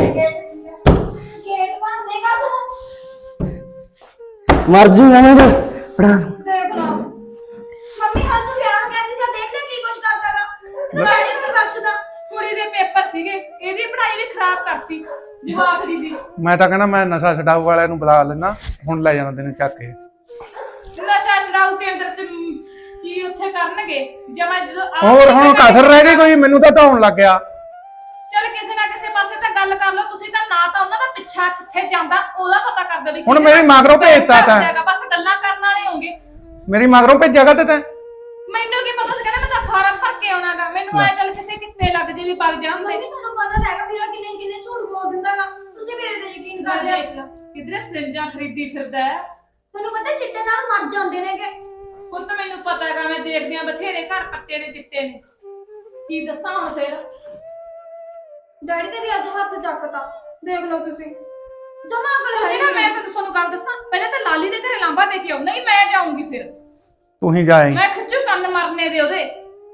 Speaker 2: ਗੇਟ ਬੰਦ ਦੇਗਾ ਤੂੰ?
Speaker 4: ਮਰ ਜੂਗਾ ਮੈਂ ਬੜਾ
Speaker 2: ਦੇਖ ਲਾ ਮੰਮੀ ਹਾਂ ਤੂੰ ਵਿਆਹ ਨੂੰ ਕਹਿੰਦੀ ਸੀ ਦੇਖ ਲੈ ਕੀ ਕੁਛ ਕਰਦਾਗਾ। ਡੈਡੀ ਨੂੰ ਬਖਸ਼ਦਾ।
Speaker 1: ਕੁੜੀ ਦੇ ਪੇਪਰ ਸੀਗੇ ਇਹਦੀ ਪੜ੍ਹਾਈ ਵੀ ਖਰਾਬ ਕਰਤੀ ਜਵਾਬ ਦੀ ਦੀ।
Speaker 3: ਮੈਂ ਤਾਂ ਕਹਿੰਦਾ ਮੈਂ ਨਸ਼ਾ ਛਡਾਊ ਵਾਲਿਆਂ ਨੂੰ ਬੁਲਾ ਲੈਣਾ ਹੁਣ ਲੈ ਜਾਣਾ ਤੈਨੂੰ ਚੱਕ ਕੇ।
Speaker 1: ਨਸ਼ਾ ਛਡਾਊ ਕੇਂਦਰ ਚ ਮ, ਕੀ ਉੱਥੇ ਕਰਨਗੇ ਜੇ ਮੈਂ ਜਦੋਂ ਆਪ
Speaker 3: ਹੋਰ ਹੁਣ ਕਸਰ ਰਹਿ ਗਈ ਕੋਈ ਮੈਨੂੰ ਤਾਂ ਢਾਉਣ ਲੱਗ ਗਿਆ।
Speaker 1: ਚਲ ਕਿਸੇ ਨਾ ਕਿਸੇ ਪਾਸੇ ਤਾਂ ਗੱਲ ਕਰ ਲਓ ਤੁਸੀਂ ਤਾਂ ਨਾ ਤਾਂ ਉਹਨਾਂ ਦਾ ਪਿੱਛਾ ਕਿੱਥੇ ਜਾਂਦਾ ਉਹਦਾ ਪਤਾ ਕਰ ਦਿਓ ਵੀ
Speaker 3: ਹੁਣ
Speaker 1: ਕਿਹਦੇ
Speaker 3: ਮੇਰੀ ਮਗਰੋਂ ਭੇਜਤਾ ਤਾਂ।
Speaker 1: ਜਾਏਗਾ, ਬਸ ਗੱਲਾਂ ਕਰਨ ਵਾਲੇ ਹੋਗੇ।
Speaker 3: ਮੇਰੀ ਮਗਰੋਂ ਭੇਜਿਆਗਾ ਤੇ ਤੈਂ।
Speaker 1: ਮੈਨੂੰ ਕੀ ਪਤਾ ਸੀ ਕਹਿੰਦਾ ਮੈਂ ਤਾਂ ਫਾਰਮ ਭਰ ਕੇ ਆਉਣਾਗਾ। ਮੈਨੂੰ ਐ ਚੱਲ ਕਿਸੇ ਕਿੱਤੇ ਲੱਗ ਜੇ ਵੀ ਪੱਗ ਜਾਂਦੇ।
Speaker 2: ਮੰਮੀ ਤੁਹਾਨੂੰ ਪਤਾ ਤਾਂ ਹੈਗਾ ਵੀਰਾ ਕਿੰਨੇ ਕਿੰਨੇ ਝੂਠ ਬੋਲ ਦਿੰਦਾਗਾ। ਤੁਸੀਂ ਮੇਰੇ ਤੇ ਯਕੀਨ ਕਰ ਲਿਆ।
Speaker 1: ਦੇਖ ਲਾ ਕਿਧਰੇ ਸਿੰਜਾਂ ਖਰੀਦੀ ਫਿਰਦਾ ਹੈ।
Speaker 2: ਤੁਹਾਨੂੰ ਪਤਾ ਚਿੱਟੇ ਨਾਲ ਮਰ ਜਾਂਦੇ ਨੇਗੇ।
Speaker 1: ਪੁੱਤ ਮੈਨੂੰ ਪਤਾ ਹੈਗਾ ਮੈਂ ਦੇਖਦੀ ਆ ਬਥੇਰੇ ਘਰ ਪੱਟੇ ਨੇ ਚਿੱਟੇ ਨੇ। ਕੀ ਦੱਸਾਂ ਹੁਣ ਫੇਰ।
Speaker 2: ਡੈਡੀ ਤੇ ਵੀ ਅੱਜ ਹੱਥ ਚੱਕਤਾ ਦੇਖ ਲਓ ਤੁਸੀਂ। ਜਮਾ ਕਰ
Speaker 1: ਤੁਸੀਂ ਨਾ ਮੈਂ ਤੈਨੂੰ ਤੁਹਾਨੂੰ ਗੱਲ ਦੱਸਾਂ ਪਹਿਲਾਂ ਤਾਂ ਲਾਲੀ ਦੇ ਘਰੇ ਲਾਂਬਾ ਦੇ ਕੇ ਆਉ ਨਹੀਂ ਮੈਂ ਜਾਊਂਗੀ ਫਿਰ।
Speaker 3: ਤੂੰ ਹੀ ਜਾਏਂ।
Speaker 1: ਮੈਂ ਖਿੱਚੂ ਕੰਨ ਮਰਨੇ ਦੇ ਉਹਦੇ।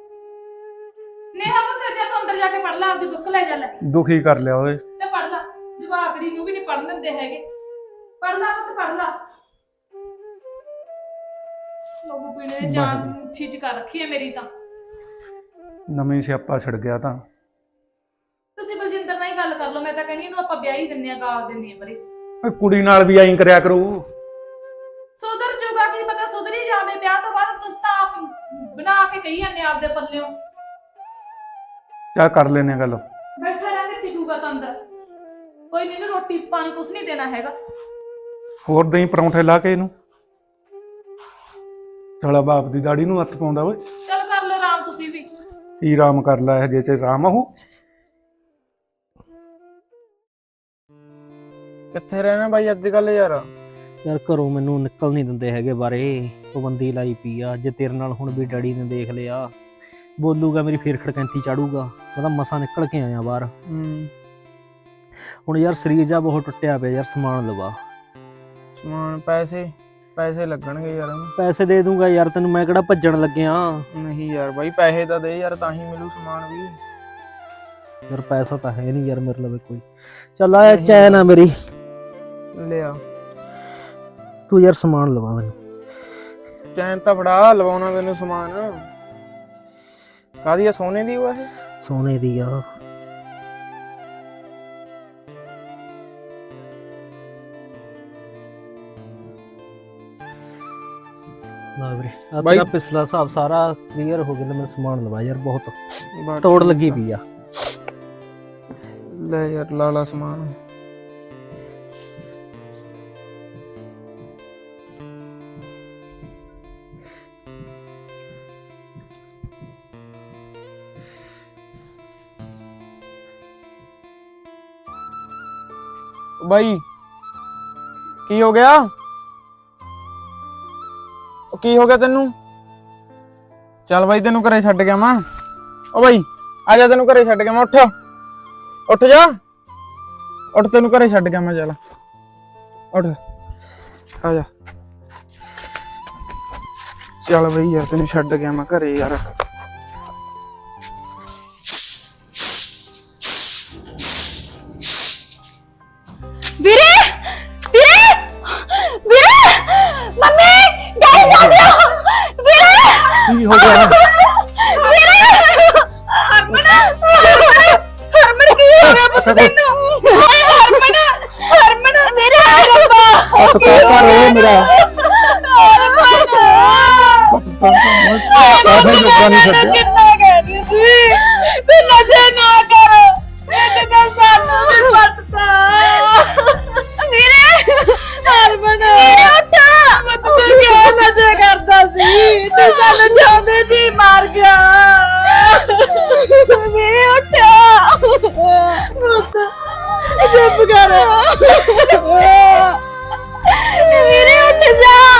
Speaker 1: ਨੇਹਾ ਪੁੱਤ ਜਾ ਤੂੰ ਅੰਦਰ ਜਾ ਕੇ ਪੜ ਲੈ ਆਪਦੀ ਬੁੱਕ ਲੈ ਜਾ ਲੈ
Speaker 3: ਦੁਖੀ ਕਰ ਲਿਆ ਓਏ।
Speaker 1: ਤੇ ਪੜ ਲੈ ਜਵਾਕੜੀ ਨੂੰ ਵੀ ਨਹੀਂ ਪੜਨ ਦਿੰਦੇ ਹੈਗੇ। ਪੜ ਲੈ ਪੁੱਤ ਪੜ ਲੈ। ਲੋਗੋ ਪੀਣੇ ਨੇ ਜਾਨ ਖਿੱਚ ਕਰ ਰੱਖੀ ਹੈ ਮੇਰੀ ਤਾਂ।
Speaker 3: ਨਵੀਂ ਸਿਆਪਾ ਛਿੜ ਗਿਆ ਤਾਂ।
Speaker 1: ਤੁਸੀਂ ਬਲਜਿੰਦਰ ਨਾਲ ਹੀ ਗੱਲ ਕਰ ਲਓ। ਮੈਂ ਤਾਂ ਕਹਿੰਦੀ ਇਹਨੂੰ ਆਪਾਂ ਵਿਆਹ ਹੀ ਦਿੰਨੇ ਆ ਗਾਲ ਦਿੰਨੇ ਆ ਬਰੇ।
Speaker 3: ਓਏ ਕੁੜੀ ਨਾਲ ਵੀ ਐਂ ਕਰਿਆ ਕਰੂ।
Speaker 1: ਸੁਧਰ ਜੂਗਾ ਕੀ ਪਤਾ ਸੁਧਰੀ ਜਾਵੇ ਵਿਆਹ ਤੋਂ ਬਾਅਦ। ਤੁਸੀਂ ਤਾਂ ਆਪ ਬਣਾ ਕੇ ਕਹੀ ਜਾਂਦੇ ਆਪਦੇ ਪੱਲਿਓਂ।
Speaker 3: ਚੱਲ ਕਰ ਲੈਨੇ ਗੱਲ।
Speaker 1: ਬੈਠਾ ਰਹਿ ਕੇ ਟਿਕੂਗਾ ਤਾਂ ਅੰਦਰ। ਕੋਈ ਨਹੀਂ ਰੋਟੀ ਪਾਣੀ ਕੁਛ ਨਹੀਂ ਦੇਣਾ ਹੈਗਾ।
Speaker 3: ਹੋਰ ਦਹੀਂ ਪਰੌਂਠੇ ਲਾ ਕੇ ਇਹਨੂੰ। ਸਾਲਾ ਬਾਪ ਦੀ ਦਾੜੀ ਨੂੰ ਹੱਥ ਪਾਉਂਦਾ ਓਏ।
Speaker 1: ਚੱਲ ਕਰ ਲਓ ਆਰਾਮ ਤੁਸੀਂ ਵੀ।
Speaker 3: ਕੀ ਆਰਾਮ ਕਰ ਲੈ ਜੇ ਚ ਆਰਾਮ ਆਹੂ।
Speaker 6: ਕਿੱਥੇ ਰਹਿਣਾ ਬਾਈ ਅੱਜ ਕੱਲ ਯਾਰ।
Speaker 4: ਯਾਰ ਘਰੋਂ ਮੈਨੂੰ ਨਿਕਲ ਨਹੀਂ ਦਿੰਦੇ ਹੈਗੇ ਬਾਰੇ। ਪਾਬੰਦੀ ਲਾਈ ਪਈ ਆ। ਜੇ ਤੇਰੇ ਨਾਲ ਹੁਣ ਵੀ ਡੈਡੀ ਨੇ ਦੇਖ ਲਿਆ ਬੋਲੂਗਾ ਮੇਰੀ ਫੇਰ ਖੜਕੈਂਤੀ ਚਾੜੂਗਾ। ਮੈਂ ਤਾਂ ਮਸਾਂ ਨਿਕਲ ਕੇ ਆਇਆ ਬਾਹਰ।
Speaker 6: ਹੂੰ
Speaker 4: ਹੁਣ ਯਾਰ ਸਰੀਰ ਜਾ ਬਹੁਤ ਟੁੱਟਿਆ ਪਿਆ ਯਾਰ। ਸਮਾਨ ਲਵਾ
Speaker 6: ਸਮਾਨ ਪੈਸੇ ਪੈਸੇ ਲੱਗਣਗੇ ਯਾਰ।
Speaker 4: ਪੈਸੇ ਦੇ ਦੂੰਗਾ ਯਾਰ ਤੈਨੂੰ। ਮੈਂ ਕਿਹੜਾ ਭੱਜਣ ਲੱਗਿਆ
Speaker 6: ਨਹੀਂ ਯਾਰ ਬਾਈ ਪੈਸੇ ਤਾਂ ਦੇ ਯਾਰ ਤਾਂ ਹੀ ਮਿਲੂ ਸਮਾਨ ਵੀ।
Speaker 4: ਯਾਰ ਪੈਸਾ ਤਾਂ ਹੈ ਨਹੀਂ ਯਾਰ ਮੇਰੇ ਲਵੇ ਕੋਈ। ਚੱਲ ਆ ਚੈਨ ਆ ਮੇਰੀ
Speaker 6: ਲਿਆ
Speaker 4: ਤੂੰ ਯਾਰ ਸਮਾਨ ਲਵਾ ਮੈਨੂੰ।
Speaker 6: ਚੈਨ ਤਾਂ ਫੜਾ ਲਵਾਉਣਾ ਮੈਨੂੰ ਸਮਾਨ। ਕਾਹਦੀ ਆ ਸੋਨੇ ਦੀ ਉਹ ਇਹ?
Speaker 4: ਸੋਨੇ ਦੀ ਆ। ਨਾ ਵੀਰੇ ਆ
Speaker 6: ਬਾਈ-
Speaker 4: ਤੇਰਾ ਪਿਛਲਾ ਹਿਸਾਬ ਸਾਰਾ ਕਲੀਅਰ ਹੋ ਗਿਆ। ਮੈਨੂੰ ਸਮਾਨ ਲਵਾ ਯਾਰ ਬਹੁਤ
Speaker 6: ਬਸ
Speaker 4: ਤੋੜ ਲੱਗੀ ਪਈ ਆ।
Speaker 6: ਲੈ ਯਾਰ ਲਾ ਲਾ ਸਮਾਨ। ਬਾਈ ਕੀ ਹੋ ਗਿਆ? ਉਹ ਕੀ ਹੋ ਗਿਆ ਤੈਨੂੰ? ਚੱਲ ਬਾਈ ਤੈਨੂੰ ਘਰੇ ਛੱਡ ਗਿਆ ਮਾਂ। ਓ ਬਾਈ ਆ ਜਾ, ਤੈਨੂੰ ਘਰੇ ਛੱਡ ਗਿਆ ਮੈਂ। ਉੱਠ ਉੱਠ ਜਾ, ਉੱਠ, ਤੈਨੂੰ ਘਰੇ ਛੱਡ ਗਿਆ ਮੈਂ। ਚੱਲ ਉੱਠ ਆ ਜਾ। ਚੱਲ ਬਈ ਯਾਰ, ਤੈਨੂੰ ਛੱਡ ਗਿਆ ਮੈਂ ਘਰੇ ਯਾਰ।
Speaker 2: ਵੀਰੇ ਵੀਰੇ ਵੀਰੇ ਮੰਮੀ ਡੈਡੀ ਜਾਂਦੇ ਹੋ ਵੀਰੇ
Speaker 5: ਕੀ ਹੋ ਗਿਆ
Speaker 2: ਵੀਰੇ ਹਰਮਨ ਹਰਮਨ ਕੀ ਹੋ ਗਿਆ ਪੁੱਤ ਤੈਨੂੰ ਹਾਏ ਹਰਮਨ ਹਰਮਨ ਵੀਰੇ ਰੱਬਾ
Speaker 5: ਹੱਥ ਪਾ ਪਾ ਰੋ ਮੇਰਾ
Speaker 3: ਕਾਹੇ ਲੋਕਾਂ ਨਹੀਂ ਛੱਡਿਆ।
Speaker 2: ਕਿੰਨਾ ਕਹਿਦੀ ਸੀ ਤੂੰ ਨਸ਼ੇ ਨਾ ਕਰ ਇਹ ਤਾਂ ਸਾਨੂੰ ਵੀ ਪੱਟਦਾ ਵੀਰੇ ਹਰਮਨ ਵੀਰੇ ਉੱਠ ਤੂੰ ਕਿਉਂ ਨਸ਼ੇ ਕਰਦਾ ਸੀ ਤੂੰ ਸਾਨੂੰ ਚਾਹੁੰਦੇ ਜੀ ਮਾਰ ਗਿਆ ਵੀਰੇ ਉੱਠ ਚੁੱਪ ਕਰ ਵੀਰੇ ਉੱਠ ਜਾ